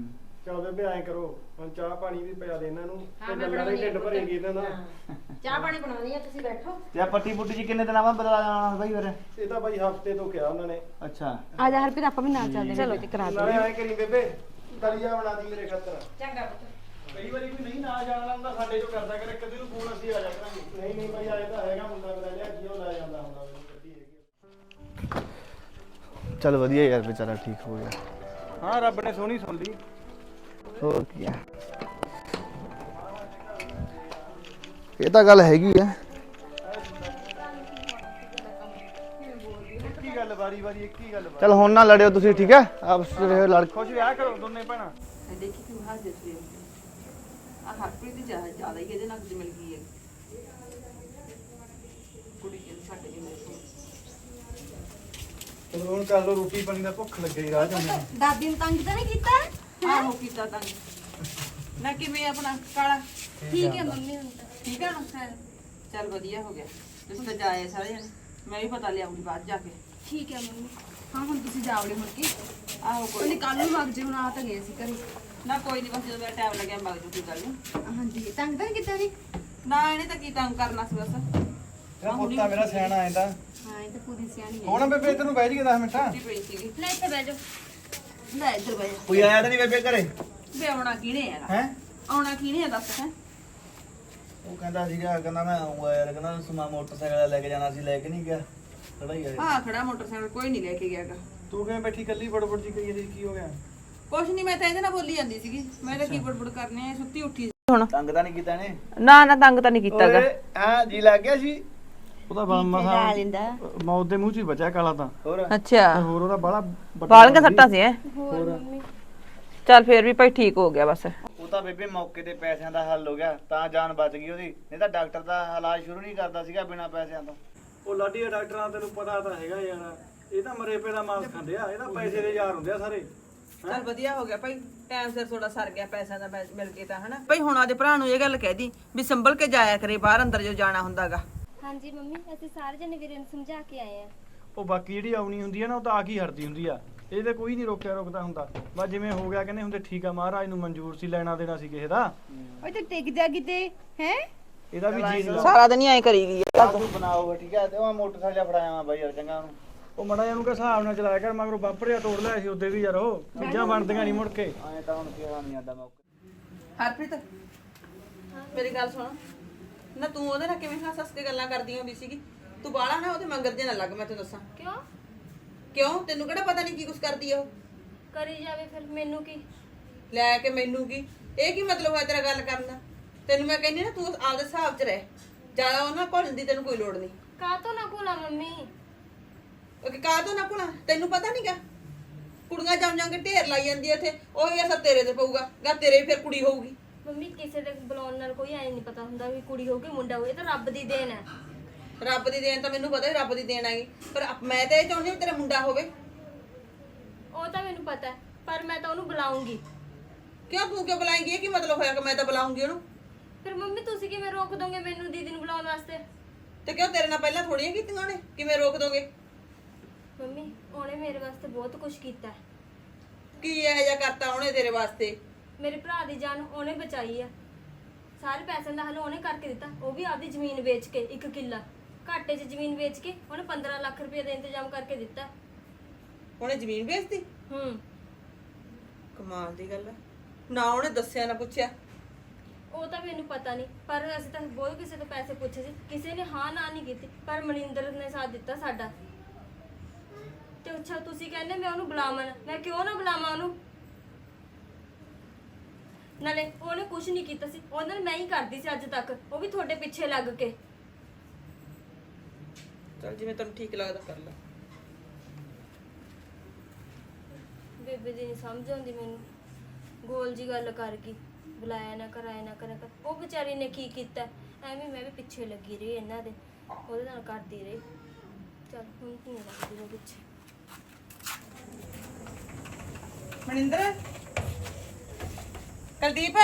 ਚੱਲ ਬੇਬੇ ਐਂ ਕਰੋ ਹੁਣ ਚਾਹ ਪਾਣੀ ਵੀ ਪਿਆ ਦੇ ਇਹਨਾਂ ਨੂੰ
ਹਾਂ,
ਤੇ
ਮੈਂ
ਗੱਲਾਂ
ਬਣਾਉਣੀ
ਦੇ ਢਿੱਡ
ਆ
ਭਰੇਗੀ ਇਹਨਾਂ ਦਾ।
ਹਾਂ। ਚਾਹ ਪਾਣੀ ਬਣਾਉਣੀ ਆ, ਤੁਸੀਂ ਬੈਠੋ।
ਤੇ ਆ ਪੱਟੀ ਪੁੱਟੀ ਜੀ ਕਿੰਨੇ ਦਿਨਾਂ ਬਾਅਦ ਬਦਲਾ ਜਾਣਾ ਬਾਈ ਫਿਰ?
ਇਹ ਤਾਂ ਬਾਈ ਹਫਤੇ ਤੋਂ ਕਿਹਾ ਉਹਨਾਂ ਨੇ।
ਅੱਛਾ
ਆ ਜਾ ਹਰਪ੍ਰੀਤ ਆਪਾਂ ਵੀ ਨਾਲ ਚੱਲਦੇ ਚਲੋ ਤੇ ਕਰਾ
ਨਾਲੇ ਐਂ ਕਰੀ ਬੇਬੇ ਦਲੀਆ ਬਣਾ ਦੀ ਮੇਰੇ ਖਾਤਰ।
ਚੰਗਾ ਪੁੱਤ।
ਕਈ ਵਾਰੀ ਕੋਈ ਨਹੀਂ ਨਾ ਜਾਣ ਵਾਲਾ ਹੁੰਦਾ ਸਾਡੇ ਚੋਂ ਕਰਦਾ ਕਰੇ, ਕਦੇ ਨੂੰ ਫੋਨ ਅਸੀਂ ਆ ਜਾ ਕਰਾਂਗੇ।
ਨਹੀਂ ਨਹੀਂ ਬਾਈ ਆਏ ਤਾਂ ਹੈਗਾ ਮੁੰਡਾ ਮੇਰਾ ਲਿਆ ਜਿਉ ਲੈ ਜਾਂਦਾ ਹੁੰਦਾ ਮੈਨੂੰ ਗੱਡੀ ਹੈਗੀ।
ਚੱਲ ਵਧੀਆ ਯਾਰ ਵਿਚਾਰਾ ਠੀਕ ਹੋ ਗਿਆ।
ਹਾਂ ਰੱਬ ਨੇ ਸੋਹਣੀ ਸੁਣ ਲਈ।
ਹੋਰ ਕੀ ਆ, ਇਹ ਤਾਂ ਗੱਲ ਹੈਗੀ ਆ।
ਇੱਕ ਹੀ ਗੱਲ ਵਾਰੀ ਵਾਰੀ ਇੱਕ ਹੀ ਗੱਲ।
ਚੱਲ ਹੁਣ ਨਾ ਲੜਿਓ ਤੁਸੀਂ, ਠੀਕ ਹੈ? ਆਪਸ ਵਿੱਚ ਲੜ
ਖੁਸ਼ ਵਿਆਹ ਕਰੋ ਦੋਨੇ ਭੈਣਾਂ।
ਦੇਖੀ ਤੂੰ ਹੱਸਦੇ ਸੀ ਆ ਹਰਪ੍ਰੀਤ ਦੀ ਜ਼ਿਆਦਾ ਹੀ ਇਹਦੇ ਨਾਲ ਮਿਲ ਗਈ ਹੈ ਕੁੜੀ ਕੇ ਸਾਡੇ ਜੀ ਮੇਰੇ ਕੋਲ
ਚਲੋ ਹੁਣ ਕਰ ਲਓ ਰੋਟੀ ਪਾਣੀ ਦਾ, ਭੁੱਖ ਲੱਗੀ ਰਾਹ ਜਾਂਦੇ।
ਦਾਦੀ ਨੂੰ ਤੰਗ ਤਾਂ ਨਹੀਂ ਕੀਤਾ?
ਆਹੋ ਕੀਤਾ ਤਾਂ ਨਾ ਕਿਵੇਂ ਆਪਣਾ ਕਾਲਾ
ਠੀਕ ਹੈ ਮੰਮੀ ਹੁਣ ਤਾਂ।
ਠੀਕ ਆ ਨਾ ਚੱਲ ਵਧੀਆ ਹੋ ਗਿਆ ਤੁਸੀਂ ਤਾਂ ਜਾਏ ਸਾਰੇ ਜਣੇ ਮੈਂ ਵੀ ਪਤਾ ਲਿਆਉਂਗੀ ਬਾਅਦ ਜਾ ਕੇ
ਠੀਕ ਹੈ ਮੰਮੀ।
ਹਾਂ ਹੁਣ ਤੁਸੀਂ ਜਾਓਗੇ ਮੁੜ ਕੇ
ਆਹੋ ਕੋਈ
ਉਹਨੇ ਕੱਲ ਨੂੰ ਵਗ ਜੇ ਹੁਣ ਆ ਤਾਂ ਗਏ ਸੀ ਘਰੇ
ਨਾ ਕੋਈ ਨਹੀਂ ਬਸ ਜਦੋਂ ਮੇਰਾ ਟਾਈਮ ਲੱਗਿਆ ਮਗ ਜੂ ਕੋਈ ਗੱਲ ਨਹੀਂ
ਹਾਂਜੀ ਤੰਗ ਤਾਂ ਨਹੀਂ ਕੀਤਾ ਜੀ
ਨਾ ਇਹਨੇ ਤਾਂ ਕੀ ਤੰਗ ਕਰਨਾ ਸੀ ਬਸ
ਤੇਰਾ ਪੁੱਤਾ ਮੇਰਾ ਸਿਆਣਾ ਆਂਦਾ।
ਹਾਂ ਇਹ ਤਾਂ ਪੂਰੀ ਸਿਆਣੀ ਹੈ
ਹੁਣ ਬੇਬੇ ਤੈਨੂੰ ਬਹਿ ਜੀ 10 ਮਿੰਟਾਂ।
ਛੁੱਟੀ ਪਈ ਸੀਗੀ
ਲੈ ਇੱਥੇ ਬਹਿ ਜਾਓ।
ਲੈ ਇੱਧਰ ਬੈ
ਕੋਈ ਆਇਆ ਤਾਂ ਨਹੀਂ ਬੇਬੇ ਘਰੇ?
ਵੇ ਆਉਣਾ ਕਿਹਨੇ ਹੈਗਾ
ਹੈ
ਆਉਣਾ ਕਿਹਨੇ ਹੈ ਦੱਸ ਹੈ
ਉਹ ਕਹਿੰਦਾ ਸੀਗਾ, ਕਹਿੰਦਾ ਮੈਂ ਆਉਂਗਾ ਯਾਰ, ਕਹਿੰਦਾ ਸਮਾਂ ਮੋਟਰਸਾਈਕਲ ਲੈ ਕੇ ਜਾਣਾ ਸੀ, ਲੈ ਕੇ ਨਹੀਂ ਗਿਆ। ਖੜਾ ਹੀ ਆ ਇਹ।
ਹਾਂ ਖੜਾ ਮੋਟਰਸਾਈਕਲ ਕੋਈ ਨਹੀਂ ਲੈ ਕੇ ਗਿਆਗਾ
ਤੂੰ ਕਿਵੇਂ ਬੈਠੀ ਕੱਲੀ ਬੜਬੜ ਜੀ ਕਰੀ ਜਾਂਦੀ, ਕੀ ਹੋ ਗਿਆ?
ਕੁਛ ਨਹੀਂ ਮੈਂ ਤਾਂ ਇਹਦੇ ਨਾਲ ਬੋਲੀ ਜਾਂਦੀ ਸੀਗੀ ਮੈਂ ਤਾਂ ਕੀ ਬੜਬੜ ਕਰਨੇ ਆ ਸੁੱਤੀ ਉੱਠੀ ਹੁਣ
ਤੰਗ ਤਾਂ ਨਹੀਂ ਕੀਤਾ ਇਹਨੇ?
ਨਾ ਨਾ ਤੰਗ ਤਾਂ ਨਹੀਂ ਕੀਤਾਗਾ
ਹਾਂ ਜੀ ਲੱਗ ਗਿਆ ਸੀ।
ਉਹਦਾ ਮਸਾ ਮੌਤ ਦੇ ਮੂੰਹ 'ਚ ਹੀ ਬਚਿਆ ਕਾਲਾ ਤਾਂ।
ਹੋਰ
ਅੱਛਾ
ਤੇ ਹੋਰ ਉਹਦਾ ਬਾਲਾ
ਬਾਲੀਆਂ ਸੱਟਾਂ ਸੀ ਐ
ਹੋਰ ਮੰਮੀ।
ਚੱਲ ਫੇਰ ਵੀ ਭਾਈ ਠੀਕ ਹੋ ਗਿਆ ਬਸ
ਉਹ ਤਾਂ ਬੇਬੇ ਮੌਕੇ ਤੇ ਪੈਸਿਆਂ ਦਾ ਹੱਲ ਹੋ ਗਿਆ, ਤਾਂ ਜਾਨ ਬਚ ਗਈ ਉਹਦੀ, ਨਹੀਂ ਤਾਂ ਡਾਕਟਰ ਦਾ ਇਲਾਜ ਸ਼ੁਰੂ ਨਹੀਂ ਕਰਦਾ ਸੀਗਾ ਬਿਨਾਂ ਪੈਸਿਆਂ ਤੋਂ।
ਉਹ ਲਾਡੀ ਦੇ ਡਾਕਟਰਾਂ ਤੈਨੂੰ ਪਤਾ ਤਾਂ ਹੈਗਾ ਯਾਰ, ਇਹ ਤਾਂ ਮਰੇ ਪਏ ਦਾ ਮਾਸ ਖਾਂਦੇ ਆ, ਇਹ ਤਾਂ ਪੈਸੇ ਦੇ ਯਾਰ ਹੁੰਦੇ ਆ ਸਾਰੇ।
ਚੱਲ ਵਧੀਆ ਹੋ ਗਿਆ ਭਾਈ ਟਾਈਮ ਸਿਰ ਥੋੜਾ ਸਰ ਗਿਆ ਪੈਸਿਆਂ ਦਾ ਮਿਲ ਕੇ ਤਾਂ ਹਨਾ ਭਾਈ ਹੁਣ ਆਦੇ ਭਰਾ ਨੂੰ ਇਹ ਗੱਲ ਕਹਿ ਦੀ ਵੀ ਸੰਭਲ ਕੇ ਜਾਇਆ ਕਰੇ ਬਾਹਰ ਅੰਦਰ ਜੋ ਜਾਣਾ ਹੁੰਦਾਗਾ
ਹਾਂਜੀ ਮੰਮੀ ਅਸੀਂ ਸਾਰੇ ਜਣੇ ਵੀਰੇ ਨੂੰ ਸਮਝਾ ਕੇ ਆਏ ਆ।
ਉਹ ਬਾਕੀ ਜਿਹੜੀ ਆਉਣੀ ਹੁੰਦੀ ਆ ਨਾ, ਉਹ ਤਾਂ ਆ ਕੀ ਹਟਦੀ ਹੁੰਦੀ ਆ, ਇਹ ਤੇ ਕੋਈ ਨਹੀਂ ਰੋਕਦਾ ਹੁੰਦਾ। ਬਸ ਜਿਵੇਂ ਹੋ ਗਿਆ ਕਹਿੰਦੇ ਹੁੰਦੇ ਠੀਕ ਆ, ਮਹਾਰਾਜ ਨੂੰ ਮਨਜ਼ੂਰ ਸੀ, ਲੈਣਾ ਦੇਣਾ ਸੀ ਕਿਸੇ ਦਾ।
ਓਏ ਤੇ ਟਿਕ ਜਾ ਕਿਤੇ ਹੈ
ਇਹਦਾ ਵੀ ਜੀ ਲਾ।
ਸਾਰਾ ਦਿਨ ਹੀ ਐ ਕਰੀ ਗਈ
ਤੂੰ ਬਣਾਓ ਠੀਕ ਹੈ? ਤੇ ਉਹ ਮੋਟਰਸਾਈਕਲ ਫੜਾਇਆ ਵਾ ਬਾਈ ਯਾਰ, ਚੰਗਾ ਉਹਨੂੰ।
ਉਹ ਮੜਾ ਇਹਨੂੰ ਕਿ ਹਿਸਾਬ ਨਾਲ ਚਲਾਇਆ ਕਰ, ਮਗਰੋਂ ਬੰਪਰ ਜਿਹਾ ਤੋੜ ਲਿਆ ਸੀ ਉਹਦੇ ਵੀ ਯਾਰ, ਉਹ ਚੀਜ਼ਾਂ ਬਣਦੀਆਂ ਨਹੀਂ ਮੁੜ ਕੇ।
ਐਂ ਤਾਂ ਹੁਣ ਕਿਹਾ ਨਹੀਂ ਆਂਦਾ ਮੌਕੇ।
ਹਰਪ੍ਰੀਤ ਮੇਰੀ ਗੱਲ ਸੁਣ ਨਾ ਤੂੰ ਉਹਦੇ ਨਾਲ ਕਿਵੇਂ ਹੱਸ ਹੱਸ ਕੇ ਗੱਲਾਂ ਕਰਦੀ ਹੁੰਦੀ ਸੀਗੀ ਤੂੰ ਬਾਹਲਾ ਨਾ ਉਹਦੇ ਮੰਗਰ ਜੇ ਨਾ ਲੱਗ ਮੈਂ ਤੈਨੂੰ ਦੱਸਾਂ
ਕਿਉਂ?
ਕਿਉਂ ਤੈਨੂੰ ਕਿਹੜਾ ਪਤਾ ਨਹੀਂ ਕੀ ਕੁਛ ਕਰਦੀ ਆ ਉਹ
ਕਰੀ ਜਾਵੇ ਫਿਰ, ਮੈਨੂੰ ਕੀ?
ਲੈ ਕੇ ਮੈਨੂੰ ਕੀ ਇਹ ਕੀ ਮਤਲਬ ਹੋਇਆ ਤੇਰਾ ਗੱਲ ਕਰਨ ਦਾ ਤੈਨੂੰ ਮੈਂ ਕਹਿੰਦੀ ਨਾ ਤੂੰ ਆਪਦੇ ਹਿਸਾਬ 'ਚ ਰਹਿ ਜ਼ਿਆਦਾ ਉਹਨਾਂ ਭੁੱਲਣ ਦੀ ਤੈਨੂੰ ਕੋਈ ਲੋੜ ਨਹੀਂ
ਕਾਹਤੋਂ ਨਾ ਭੁਲਾ ਮੰਮੀ?
ਉਹ ਕਾਹ ਤੋਂ ਨਾ ਭੁੱਲਾਂ ਤੈਨੂੰ ਪਤਾ ਨਹੀਂਗਾ ਕੁੜੀਆਂ ਜੰਮ ਜੰਮ ਕੇ ਢੇਰ ਲਾਈ ਜਾਂਦੀ ਇੱਥੇ ਉਹੀ ਅਸਰ ਤੇਰੇ ਤੇ ਪਊਗਾ ਗਾ ਤੇਰੇ ਫਿਰ ਕੁੜੀ ਹੋਊਗੀ
ਮੰਮੀ ਕਿਸੇ ਦੇ ਬੁਲਾਉਣ ਨਾਲ ਕੋਈ ਐ ਨਹੀਂ ਪਤਾ ਹੁੰਦਾ ਵੀ ਕੁੜੀ ਹੋਊਗੀ ਮੁੰਡਾ ਹੋਊ, ਇਹ ਤਾਂ ਰੱਬ ਦੀ ਦੇਣ ਹੈ।
ਰੱਬ ਦੀ ਦੇਣ ਤਾਂ ਮੈਨੂੰ ਪਤਾ ਰੱਬ ਦੀ ਦੇਣ ਆਗੀ ਪਰ ਮੈਂ ਤਾਂ ਇਹ ਚਾਹੁੰਦੀ ਵੀ ਤੇਰਾ ਮੁੰਡਾ ਹੋਵੇ
ਉਹ ਤਾਂ ਮੈਨੂੰ ਪਤਾ ਹੈ, ਪਰ ਮੈਂ ਤਾਂ ਉਹਨੂੰ ਬੁਲਾਉਂਗੀ।
ਕਿਉਂ ਤੂੰ ਕਿਉਂ ਬੁਲਾਏਂਗੀ ਇਹ ਕੀ ਮਤਲਬ ਹੋਇਆ ਕਿ ਮੈਂ ਤਾਂ ਬੁਲਾਉਂਗੀ ਉਹਨੂੰ
ਫਿਰ ਮੰਮੀ ਤੁਸੀਂ ਕਿਵੇਂ ਰੋਕ ਦੋਗੇ ਮੈਨੂੰ ਦੀਦੀ ਨੂੰ ਬੁਲਾਉਣ ਵਾਸਤੇ?
ਤੇ ਕਿਉਂ ਤੇਰੇ ਨਾਲ ਪਹਿਲਾਂ ਥੋੜੀਆਂ ਕੀਤੀਆਂ ਉਹਨੇ ਕਿਵੇਂ ਰੋਕ ਦੋਗੇ
ਮੰਮੀ ਉਹਨੇ ਮੇਰੇ ਵਾਸਤੇ ਬਹੁਤ ਕੁਝ ਕੀਤਾ ਹੈ।
ਕੀ ਇਹੋ ਜਿਹਾ ਕਰਤਾ ਉਹਨੇ ਤੇਰੇ ਵਾਸਤੇ
ਮੇਰੇ ਭਰਾ ਦੀ ਜਾਨ ਉਹਨੇ ਬਚਾਈ ਆ, ਸਾਰੇ ਪੈਸਿਆਂ ਦਾ ਹੱਲ ਉਹਨੇ ਕਰਕੇ ਦਿੱਤਾ, ਉਹ ਵੀ ਆਪਦੀ ਜ਼ਮੀਨ ਵੇਚ ਕੇ, 1 ਕਿੱਲਾ ਘਾਟੇ 'ਚ ਜ਼ਮੀਨ ਵੇਚ ਕੇ ਉਹਨੇ 15 ਲੱਖ ਰੁਪਏ ਦਾ ਇੰਤਜ਼ਾਮ ਕਰਕੇ ਦਿੱਤਾ।
ਉਹਨੇ ਜ਼ਮੀਨ ਵੇਚਤੀ ਕਮਾਲ ਦੀ ਗੱਲ ਹੈ ਨਾ ਉਹਨੇ ਦੱਸਿਆ ਨਾ ਪੁੱਛਿਆ
ਉਹ ਤਾਂ ਮੈਨੂੰ ਪਤਾ ਨਹੀਂ, ਪਰ ਅਸੀਂ ਤਾਂ ਬਹੁਤ ਕਿਸੇ ਤੋਂ ਪੈਸੇ ਪੁੱਛੇ ਸੀ, ਕਿਸੇ ਨੇ ਹਾਂ ਨਾ ਨਹੀਂ ਕੀਤੀ, ਪਰ ਮਨਿੰਦਰ ਨੇ ਸਾਥ ਦਿੱਤਾ ਸਾਡਾ। ਤੇ ਅੱਛਾ ਤੁਸੀਂ ਕਹਿੰਦੇ ਮੈਂ ਉਹਨੂੰ ਬੁਲਾਵਾਂ ਨਾ, ਮੈਂ ਕਿਉਂ ਨਾ ਬੁਲਾਵਾਂ ਉਹਨੂੰ? ਨਾਲੇ ਉਹਨੇ ਕੁਝ ਨਹੀਂ ਕੀਤਾ ਸੀ, ਉਹਨਾਂ ਨਾਲ ਮੈਂ ਹੀ ਕਰਦੀ ਸੀ ਅੱਜ ਤੱਕ, ਉਹ ਵੀ ਤੁਹਾਡੇ ਪਿੱਛੇ ਲੱਗ ਕੇ।
ਚਲ ਜਿਵੇਂ ਤੈਨੂੰ ਠੀਕ ਲੱਗਦਾ ਕਰ ਲੈ
ਬੇਬੇ ਦੀ ਨਹੀਂ ਸਮਝ ਆਉਂਦੀ ਮੈਨੂੰ, ਗੋਲ ਜੀ ਗੱਲ ਕਰ ਗਈ, ਬੁਲਾਇਆ ਨਾ ਕਰਾਇਆ ਨਾ ਕਰਿਆ ਕਰ। ਉਹ ਵਿਚਾਰੀ ਨੇ ਕੀ ਕੀਤਾ, ਐਵੇਂ ਮੈਂ ਵੀ ਪਿੱਛੇ ਲੱਗੀ ਰਹੀ ਇਹਨਾਂ ਦੇ, ਉਹਦੇ ਨਾਲ ਕਰਦੀ ਰਹੀ। ਚਲ ਹੁਣ ਕੀ ਲੱਗਦੀ ਮੈਂ ਪਿੱਛੇ।
ਮਨਿੰਦਰ ਕੁਲਦੀਪ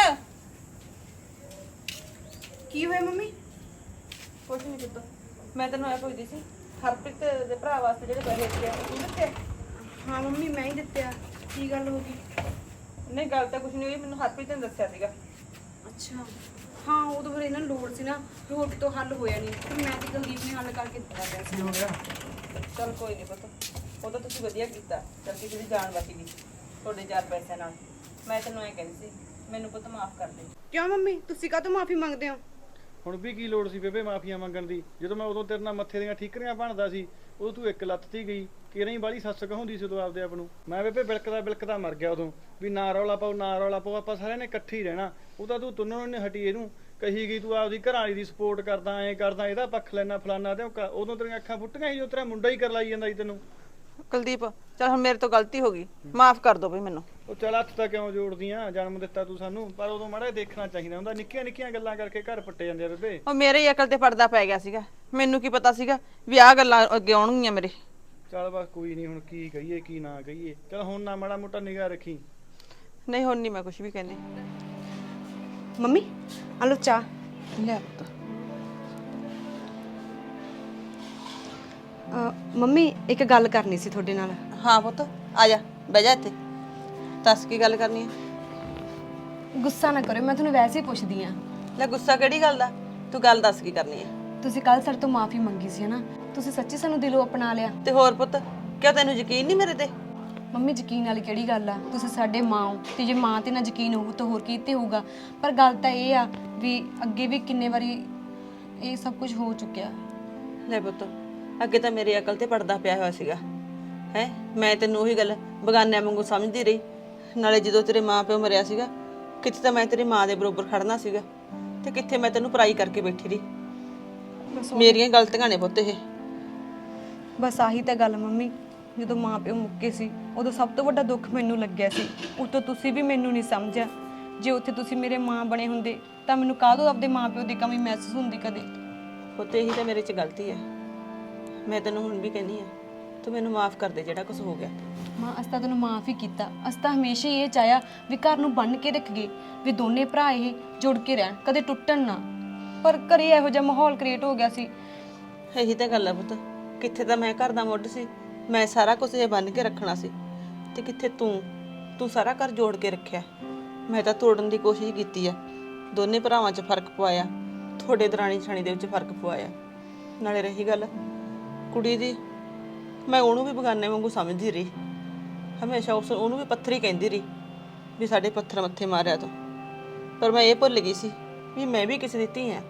ਕੀ ਹੋਇਆ ਮੰਮੀ?
ਕੁਛ ਨਹੀਂ ਕੀਤਾ ਮੈਂ ਤੈਨੂੰ ਐ ਪੁੱਛਦੀ ਸੀ ਹਰਪ੍ਰੀਤ ਦੇ ਭਰਾ ਵਾਸਤੇ ਜਿਹੜੇ ਪੈਸੇ ਦਿੱਤੇ ਆ ਤੂੰ ਦਿੱਤੇ
ਹਾਂ ਮੰਮੀ ਮੈਂ ਹੀ ਦਿੱਤੇ ਆ। ਕੀ ਗੱਲ ਹੋ ਗਈ?
ਨਹੀਂ ਗੱਲ ਤਾਂ ਕੁਝ ਨਹੀਂ ਹੋਈ, ਮੈਨੂੰ ਹਰਪ੍ਰੀਤ ਨੇ ਦੱਸਿਆ ਸੀਗਾ।
ਅੱਛਾ ਹਾਂ, ਉਦੋਂ ਫਿਰ ਇਹਨਾਂ ਨੂੰ ਲੋੜ ਸੀ ਨਾ, ਫਿਰ ਹੋਰ ਕਿਤੋਂ ਹੱਲ ਹੋਇਆ ਨਹੀਂ, ਫਿਰ ਮੈਂ ਤੇ ਕੁਲਦੀਪ ਨੇ ਹੱਲ ਕਰਕੇ ਦਿੱਤਾ ਪਿਆ ਸੀ।
ਕੀ ਹੋ ਗਿਆ?
ਚਲ ਕੋਈ ਨਹੀਂ ਪੁੱਤ, ਉਹ ਤਾਂ ਤੁਸੀਂ ਵਧੀਆ ਕੀਤਾ, ਚਲ ਕਿਸੇ ਦੀ ਜਾਨ ਬਚ ਗਈ ਤੁਹਾਡੇ 4 ਪੈਸਿਆਂ ਨਾਲ। ਮੈਂ ਤੈਨੂੰ ਐ ਕਹਿੰਦੀ ਸੀ, ਮੈਨੂੰ ਪੁੱਤ ਮਾਫ ਕਰ ਦੇ।
ਕਿਉਂ ਮੰਮੀ, ਤੁਸੀਂ ਕਾਹਤੋਂ ਮਾਫੀ ਮੰਗਦੇ ਹੋ?
ਹੁਣ ਵੀ ਕੀ ਲੋੜ ਸੀ ਬੇਬੇ ਮਾਫੀਆਂ ਮੰਗਣ ਦੀ? ਜਦੋਂ ਮੈਂ ਉਦੋਂ ਤੇਰੇ ਨਾਲ ਮੱਥੇ ਦੀਆਂ ਠੀਕਰੀਆਂ ਬਣਦਾ ਸੀ, ਉਦੋਂ ਤੂੰ ਇੱਕ ਲੱਤ ਤੀ ਗਈ, ਕਿਹੜੀ ਬਾਲੀ ਸੱਸ ਕਹਾਉਂਦੀ ਸੀ ਉਦੋਂ ਆਪਦੇ ਆਪ ਨੂੰ। ਮੈਂ ਬੇਬੇ ਬਿਲਕਦਾ ਮਰ ਗਿਆ ਉਦੋਂ, ਵੀ ਨਾ ਰੌਲਾ ਪਾਓ ਨਾ ਰੌਲਾ ਪਾਓ, ਆਪਾਂ ਸਾਰਿਆਂ ਨੇ ਇਕੱਠੇ ਹੀ ਰਹਿਣਾ। ਉਹ ਤਾਂ ਤੂੰ ਤੁੰਨੋਂ ਨੇ ਹਟੀ ਇਹਨੂੰ ਕਹੀ ਗਈ, ਤੂੰ ਆਪਦੀ ਘਰ ਵਾਲੀ ਦੀ ਸਪੋਰਟ ਕਰਦਾ, ਐਂ ਕਰਦਾ, ਇਹਦਾ ਪੱਖ ਲੈਣਾ ਫਲਾਨਾ ਤੇ ਉਦੋਂ ਤੇਰੀਆਂ ਅੱਖਾਂ ਫੁੱਟੀਆਂ ਸੀ, ਜੋ ਤੇਰਾ ਮੁੰਡਾ ਹੀ ਕਰਲਾਈ ਜਾਂਦਾ ਸੀ ਤੈਨੂੰ।
ਕੁਲਦੀਪ ਚਲ ਹੁਣ ਮੇਰੇ ਤੋਂ ਗਲਤੀ ਹੋ ਗਈ, ਮਾਫ ਕਰ ਦੋ ਬਈ ਮੈਨੂੰ।
ਉਹ ਚੱਲ ਹੱਥ ਤਾਂ ਕਿਉਂ ਜੋੜਦੀਆਂ, ਜਨਮ ਦਿੱਤਾ ਤੂੰ ਸਾਨੂੰ, ਪਰ ਉਦੋਂ ਮਾੜਾ ਜਿਹਾ ਦੇਖਣਾ ਚਾਹੀਦਾ ਹੁੰਦਾ। ਨਿੱਕੀਆਂ ਨਿੱਕੀਆਂ ਗੱਲਾਂ ਕਰਕੇ ਘਰ ਪੱਟੇ ਜਾਂਦੇ ਆ ਬੇਬੇ।
ਉਹ ਮੇਰੇ ਹੀ ਅਕਲ ਤੇ ਪਰਦਾ ਪੈ ਗਿਆ ਸੀਗਾ, ਮੈਨੂੰ ਕੀ ਪਤਾ ਸੀਗਾ ਵੀ ਆਹ ਗੱਲਾਂ ਅੱਗੇ ਆਉਣਗੀਆਂ ਮੇਰੇ।
ਚੱਲ ਬਸ ਕੋਈ ਨਹੀਂ, ਹੁਣ ਕੀ ਕਹੀਏ ਕੀ ਨਾ ਕਹੀਏ। ਚੱਲ ਹੁਣ ਨਾ ਮਾੜਾ ਮੋਟਾ ਨਿਗਾਹ ਰੱਖੀ।
ਨਹੀਂ ਹੁਣ ਨਹੀਂ ਮੈਂ ਕੁਝ ਵੀ ਕਹਿੰਦੀ।
ਮੰਮੀ ਆ ਲਓ ਚਾਹ।
ਲੈ ਪੁੱਤ।
ਮੰਮੀ ਇੱਕ ਗੱਲ ਕਰਨੀ ਸੀ ਤੁਹਾਡੇ ਨਾਲ।
ਹਾਂ ਪੁੱਤ ਆ ਜਾ, ਬਹਿ ਜਾ ਇੱਥੇ। ਦੱਸ ਕੀ ਗੱਲ ਕਰਨੀ ਹੈ?
ਗੁੱਸਾ ਨਾ ਕਰਿਓ, ਮੈਂ ਤੁਹਾਨੂੰ ਵੈਸੇ ਹੀ ਪੁੱਛਦੀ ਆ।
ਲੈ ਗੁੱਸਾ ਕਿਹੜੀ ਗੱਲ ਦਾ, ਤੂੰ ਗੱਲ ਦੱਸ ਕੀ ਕਰਨੀ ਹੈ?
ਤੁਸੀਂ ਕੱਲ ਸਾਡੇ ਤੋਂ ਮਾਫੀ ਮੰਗੀ ਸੀ ਨਾ, ਤੁਸੀਂ ਸੱਚੀ ਸਾਨੂੰ ਦਿਲੋਂ ਅਪਣਾ ਲਿਆ।
ਤੇ ਹੋਰ ਪੁੱਤ, ਕਿਉਂ ਤੈਨੂੰ ਯਕੀਨ ਨਹੀਂ ਮੇਰੇ ਤੇ?
ਮੰਮੀ ਯਕੀਨ ਵਾਲੀ ਕਿਹੜੀ ਗੱਲ ਆ, ਤੁਸੀਂ ਸਾਡੇ ਮਾਂ ਹੋ, ਤੇ ਜੇ ਮਾਂ ਤੇ ਨਾ ਯਕੀਨ ਹੋਊ ਤਾਂ ਹੋਰ ਕੀ ਤੇ ਹੋਊਗਾ। ਪਰ ਗੱਲ ਤਾਂ ਇਹ ਆ ਵੀ ਅੱਗੇ ਵੀ ਕਿੰਨੇ ਵਾਰੀ ਇਹ ਸਭ ਕੁਝ ਹੋ ਚੁੱਕਿਆ।
ਲੈ ਪੁੱਤ, ਅੱਗੇ ਤਾਂ ਮੇਰੀ ਅਕਲ ਤੇ ਪਰਦਾ ਪਿਆ ਹੋਇਆ ਸੀਗਾ ਹੈ। ਮੈਂ ਤੈਨੂੰ ਉਹੀ ਗੱਲ ਬਗਾਨਿਆਂ ਵਾਂਗੂ ਸਮਝਦੀ ਰਹੀ। ਨਾਲੇ ਜਦੋਂ ਤੇਰੇ ਮਾਂ ਪਿਓ ਮਰਿਆ ਸੀਗਾ, ਕਿੱਥੇ ਤਾਂ ਮੈਂ ਤੇਰੀ ਮਾਂ ਦੇ ਬਰੋਬਰ ਖੜਨਾ ਸੀਗਾ, ਤੇ ਕਿੱਥੇ ਮੈਂ ਤੈਨੂੰ ਪਰਾਈ ਕਰਕੇ ਬੈਠੀ ਰਹੀ। ਮੇਰੀਆਂ ਗਲਤੀਆਂ ਨੇ ਪੁੱਤ ਇਹ।
ਬਸ ਆਹੀ ਤਾਂ ਗੱਲ ਮੰਮੀ, ਜਦੋਂ ਮਾਂ ਪਿਓ ਮੁੱਕੇ ਸੀ ਉਦੋਂ ਸਭ ਤੋਂ ਵੱਡਾ ਦੁੱਖ ਮੈਨੂੰ ਲੱਗਿਆ ਸੀ। ਉਤੋਂ ਤੁਸੀਂ ਵੀ ਮੈਨੂੰ ਨਹੀਂ ਸਮਝਿਆ। ਜੇ ਉੱਥੇ ਤੁਸੀਂ ਮੇਰੇ ਮਾਂ ਬਣੇ ਹੁੰਦੇ ਤਾਂ ਮੈਨੂੰ ਕਾਹਦੋਂ ਆਪਦੇ ਮਾਂ ਪਿਓ ਦੀ ਕਮੀ ਮਹਿਸੂਸ ਹੁੰਦੀ ਕਦੇ।
ਪੁੱਤ ਇਹੀ ਤਾਂ ਮੇਰੇ 'ਚ ਗਲਤੀ ਹੈ। ਮੈਂ ਤੈਨੂੰ ਹੁਣ ਵੀ ਕਹਿੰਦੀ ਆ, ਤੂੰ ਮੈਨੂੰ ਮਾਫ ਕਰ ਦੇ ਜਿਹੜਾ ਕੁਝ ਹੋ ਗਿਆ।
ਮਾਂ ਅਸੀਂ ਤਾਂ ਤੈਨੂੰ ਮਾਫ ਹੀ ਕੀਤਾ। ਅਸੀਂ ਤਾਂ ਹਮੇਸ਼ਾ ਹੀ ਇਹ ਚਾਹਿਆ ਵੀ ਘਰ ਨੂੰ ਬੰਨ੍ਹ ਕੇ ਰੱਖੀਏ, ਵੀ ਦੋਨੇ ਭਰਾ ਇਹ ਜੁੜ ਕੇ ਰਹਿਣ, ਕਦੇ ਟੁੱਟਣ ਨਾ। ਪਰ ਘਰੇ ਇਹੋ ਜਿਹਾ ਮਾਹੌਲ ਕ੍ਰੀਏਟ ਹੋ ਗਿਆ ਸੀ।
ਇਹੀ ਤਾਂ ਗੱਲ ਆ ਪੁੱਤ, ਕਿੱਥੇ ਤਾਂ ਮੈਂ ਘਰ ਦਾ ਮੁੱਢ ਸੀ, ਮੈਂ ਸਾਰਾ ਕੁਝ ਇਹ ਬੰਨ ਕੇ ਰੱਖਣਾ ਸੀ, ਤੇ ਕਿੱਥੇ ਤੂੰ ਸਾਰਾ ਘਰ ਜੋੜ ਕੇ ਰੱਖਿਆ। ਮੈਂ ਤਾਂ ਤੋੜਨ ਦੀ ਕੋਸ਼ਿਸ਼ ਕੀਤੀ ਆ, ਦੋਨੇ ਭਰਾਵਾਂ 'ਚ ਫਰਕ ਪਵਾਇਆ, ਤੁਹਾਡੇ ਦਰਾਣੀ ਜਠਾਣੀ ਦੇ ਵਿੱਚ ਫਰਕ ਪਵਾਇਆ। ਨਾਲੇ ਰਹੀ ਗੱਲ ਕੁੜੀ ਦੀ, ਮੈਂ ਉਹਨੂੰ ਵੀ ਬਗਾਨੇ ਵਾਂਗੂ ਸਮਝਦੀ ਰਹੀ, ਹਮੇਸ਼ਾ ਉਹਨੂੰ ਵੀ ਪੱਥਰ ਹੀ ਕਹਿੰਦੀ ਰਹੀ ਵੀ ਸਾਡੇ ਪੱਥਰ ਮੱਥੇ ਮਾਰਿਆ ਤੂੰ। ਪਰ ਮੈਂ ਇਹ ਭੁੱਲ ਗਈ ਸੀ ਵੀ ਮੈਂ ਵੀ ਕਿਸੇ ਦੀ ਧੀ ਹਾਂ।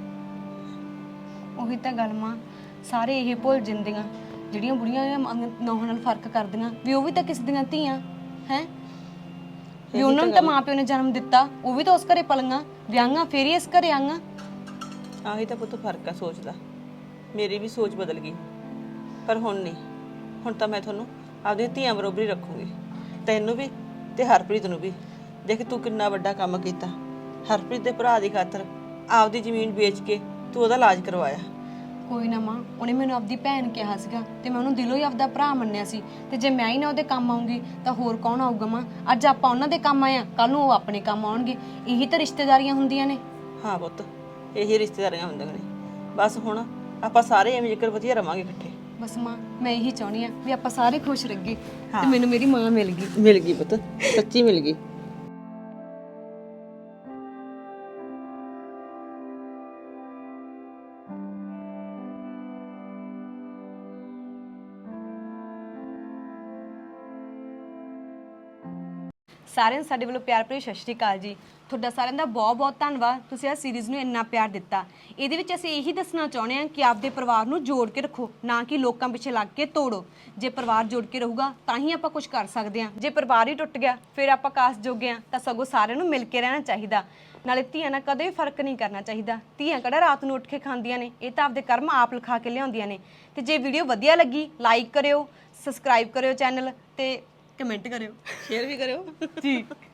ਉਹੀ ਤਾਂ ਗੱਲ ਮਾਂ, ਸਾਰੇ ਇਹ ਭੁੱਲ ਜਾਂਦੀਆਂ ਜਿਹੜੀਆਂ ਬੁੜੀਆਂ ਨੌਹਾਂ ਨਾਲ ਫਰਕ ਕਰਦੀਆਂ, ਵੀ ਉਹ ਵੀ ਤਾਂ ਕਿਸੇ ਦੀਆਂ ਧੀਆਂ ਹੈ। ਵੀ ਉਹਨਾਂ ਨੂੰ ਤਾਂ ਮਾਂ ਪਿਓ ਨੇ ਜਨਮ ਦਿੱਤਾ, ਉਹ ਵੀ ਤਾਂ ਉਸ ਘਰੇ ਪਲੀਆਂ ਵਿਆਹਾਂ, ਫੇਰ ਹੀ ਇਸ ਘਰੇ ਆਈਆਂ।
ਆਹੀ ਤਾਂ ਪੁੱਤ ਫਰਕ ਆ ਸੋਚ ਦਾ। ਮੇਰੀ ਵੀ ਸੋਚ ਬਦਲ ਗਈ, ਪਰ ਹੁਣ ਨਹੀਂ। ਹੁਣ ਤਾਂ ਮੈਂ ਤੁਹਾਨੂੰ ਆਪਦੀਆਂ ਧੀਆਂ ਬਰੋਬਰ ਹੀ ਰੱਖੂੰਗੀ, ਤੈਨੂੰ ਵੀ ਤੇ ਹਰਪ੍ਰੀਤ ਨੂੰ ਵੀ। ਦੇਖ ਤੂੰ ਕਿੰਨਾ ਵੱਡਾ ਕੰਮ ਕੀਤਾ, ਹਰਪ੍ਰੀਤ ਦੇ ਭਰਾ ਦੀ ਖਾਤਰ ਆਪਦੀ ਜ਼ਮੀਨ ਵੇਚ ਕੇ ਤੂੰ ਉਹਦਾ ਇਲਾਜ ਕਰਵਾਇਆ।
ਕੋਈ ਨਾ ਮਾਂ, ਉਹਨੇ ਮੈਨੂੰ ਆਪਦੀ ਭੈਣ ਕਿਹਾ ਸੀਗਾ ਤੇ ਮੈਂ ਉਹਨੂੰ ਦਿਲੋਂ ਹੀ ਆਪਦਾ ਭਰਾ ਮੰਨਿਆ ਸੀ। ਤੇ ਜੇ ਮੈਂ ਹੀ ਨਾ ਉਹਦੇ ਕੰਮ ਆਉਂਗੀ ਤਾਂ ਹੋਰ ਕੌਣ ਆਊਗਾ ਮਾਂ? ਅੱਜ ਆਪਾਂ ਉਹਨਾਂ ਦੇ ਕੰਮ ਆਏ ਆ, ਕੱਲ ਨੂੰ ਉਹ ਆਪਣੇ ਕੰਮ ਆਉਣਗੇ। ਇਹੀ ਤਾਂ ਰਿਸ਼ਤੇਦਾਰੀਆਂ ਹੁੰਦੀਆਂ ਨੇ।
ਹਾਂ ਪੁੱਤ, ਇਹੀ ਰਿਸ਼ਤੇਦਾਰੀਆਂ ਹੁੰਦੀਆਂ ਨੇ। ਬਸ ਹੁਣ ਆਪਾਂ ਸਾਰੇ ਐਵੇਂ ਜ਼ਿਕਰ ਵਧੀਆ ਰਵਾਂਗੇ ਇਕੱਠੇ।
ਬਸ ਮਾਂ, ਮੈਂ ਇਹੀ ਚਾਹੁੰਦੀ ਆ ਵੀ ਆਪਾਂ ਸਾਰੇ ਖੁਸ਼ ਰਹੀਏ। ਤੇ ਮੈਨੂੰ ਮੇਰੀ ਮਾਂ ਮਿਲ ਗਈ
ਪੁੱਤ, ਸੱਚੀ ਮਿਲ ਗਈ।
ਸਾਰਿਆਂ ਨੂੰ ਸਾਡੇ ਵੱਲੋਂ ਪਿਆਰ ਭਰੀ ਸਤਿ ਸ਼੍ਰੀ ਅਕਾਲ ਜੀ। ਤੁਹਾਡਾ ਸਾਰਿਆਂ ਦਾ ਬਹੁਤ ਬਹੁਤ ਧੰਨਵਾਦ, ਤੁਸੀਂ ਆਹ ਸੀਰੀਜ਼ ਨੂੰ ਇੰਨਾ ਪਿਆਰ ਦਿੱਤਾ। ਇਹਦੇ ਵਿੱਚ ਅਸੀਂ ਇਹੀ ਦੱਸਣਾ ਚਾਹੁੰਦੇ ਹਾਂ ਕਿ ਆਪਦੇ ਪਰਿਵਾਰ ਨੂੰ ਜੋੜ ਕੇ ਰੱਖੋ, ਨਾ ਕਿ ਲੋਕਾਂ ਪਿੱਛੇ ਲੱਗ ਕੇ ਤੋੜੋ। ਜੇ ਪਰਿਵਾਰ ਜੋੜ ਕੇ ਰਹੂਗਾ ਤਾਂ ਹੀ ਆਪਾਂ ਕੁਝ ਕਰ ਸਕਦੇ ਹਾਂ। ਜੇ ਪਰਿਵਾਰ ਹੀ ਟੁੱਟ ਗਿਆ ਫਿਰ ਆਪਾਂ ਕਾਸ ਜੋਗੇ ਹਾਂ। ਤਾਂ ਸਗੋਂ ਸਾਰਿਆਂ ਨੂੰ ਮਿਲ ਕੇ ਰਹਿਣਾ ਚਾਹੀਦਾ। ਨਾਲੇ ਧੀਆਂ ਨਾਲ ਕਦੇ ਵੀ ਫਰਕ ਨਹੀਂ ਕਰਨਾ ਚਾਹੀਦਾ। ਧੀਆਂ ਕਿਹੜਾ ਰਾਤ ਨੂੰ ਉੱਠ ਕੇ ਖਾਂਦੀਆਂ ਨੇ, ਇਹ ਤਾਂ ਆਪਦੇ ਕਰਮ ਆਪ ਲਿਖਾ ਕੇ ਲਿਆਉਂਦੀਆਂ ਨੇ। ਤੇ ਜੇ ਵੀਡੀਓ ਵਧੀਆ ਲੱਗੀ ਲਾਈਕ ਕਰਿਓ, ਸਬਸਕ੍ਰਾਈਬ ਕਰਿਓ ਚੈਨਲ ਤੇ ਕਮੈਂਟ ਕਰਿਓ,
ਸ਼ੇਅਰ ਵੀ ਕਰਿਓ
ਜੀ।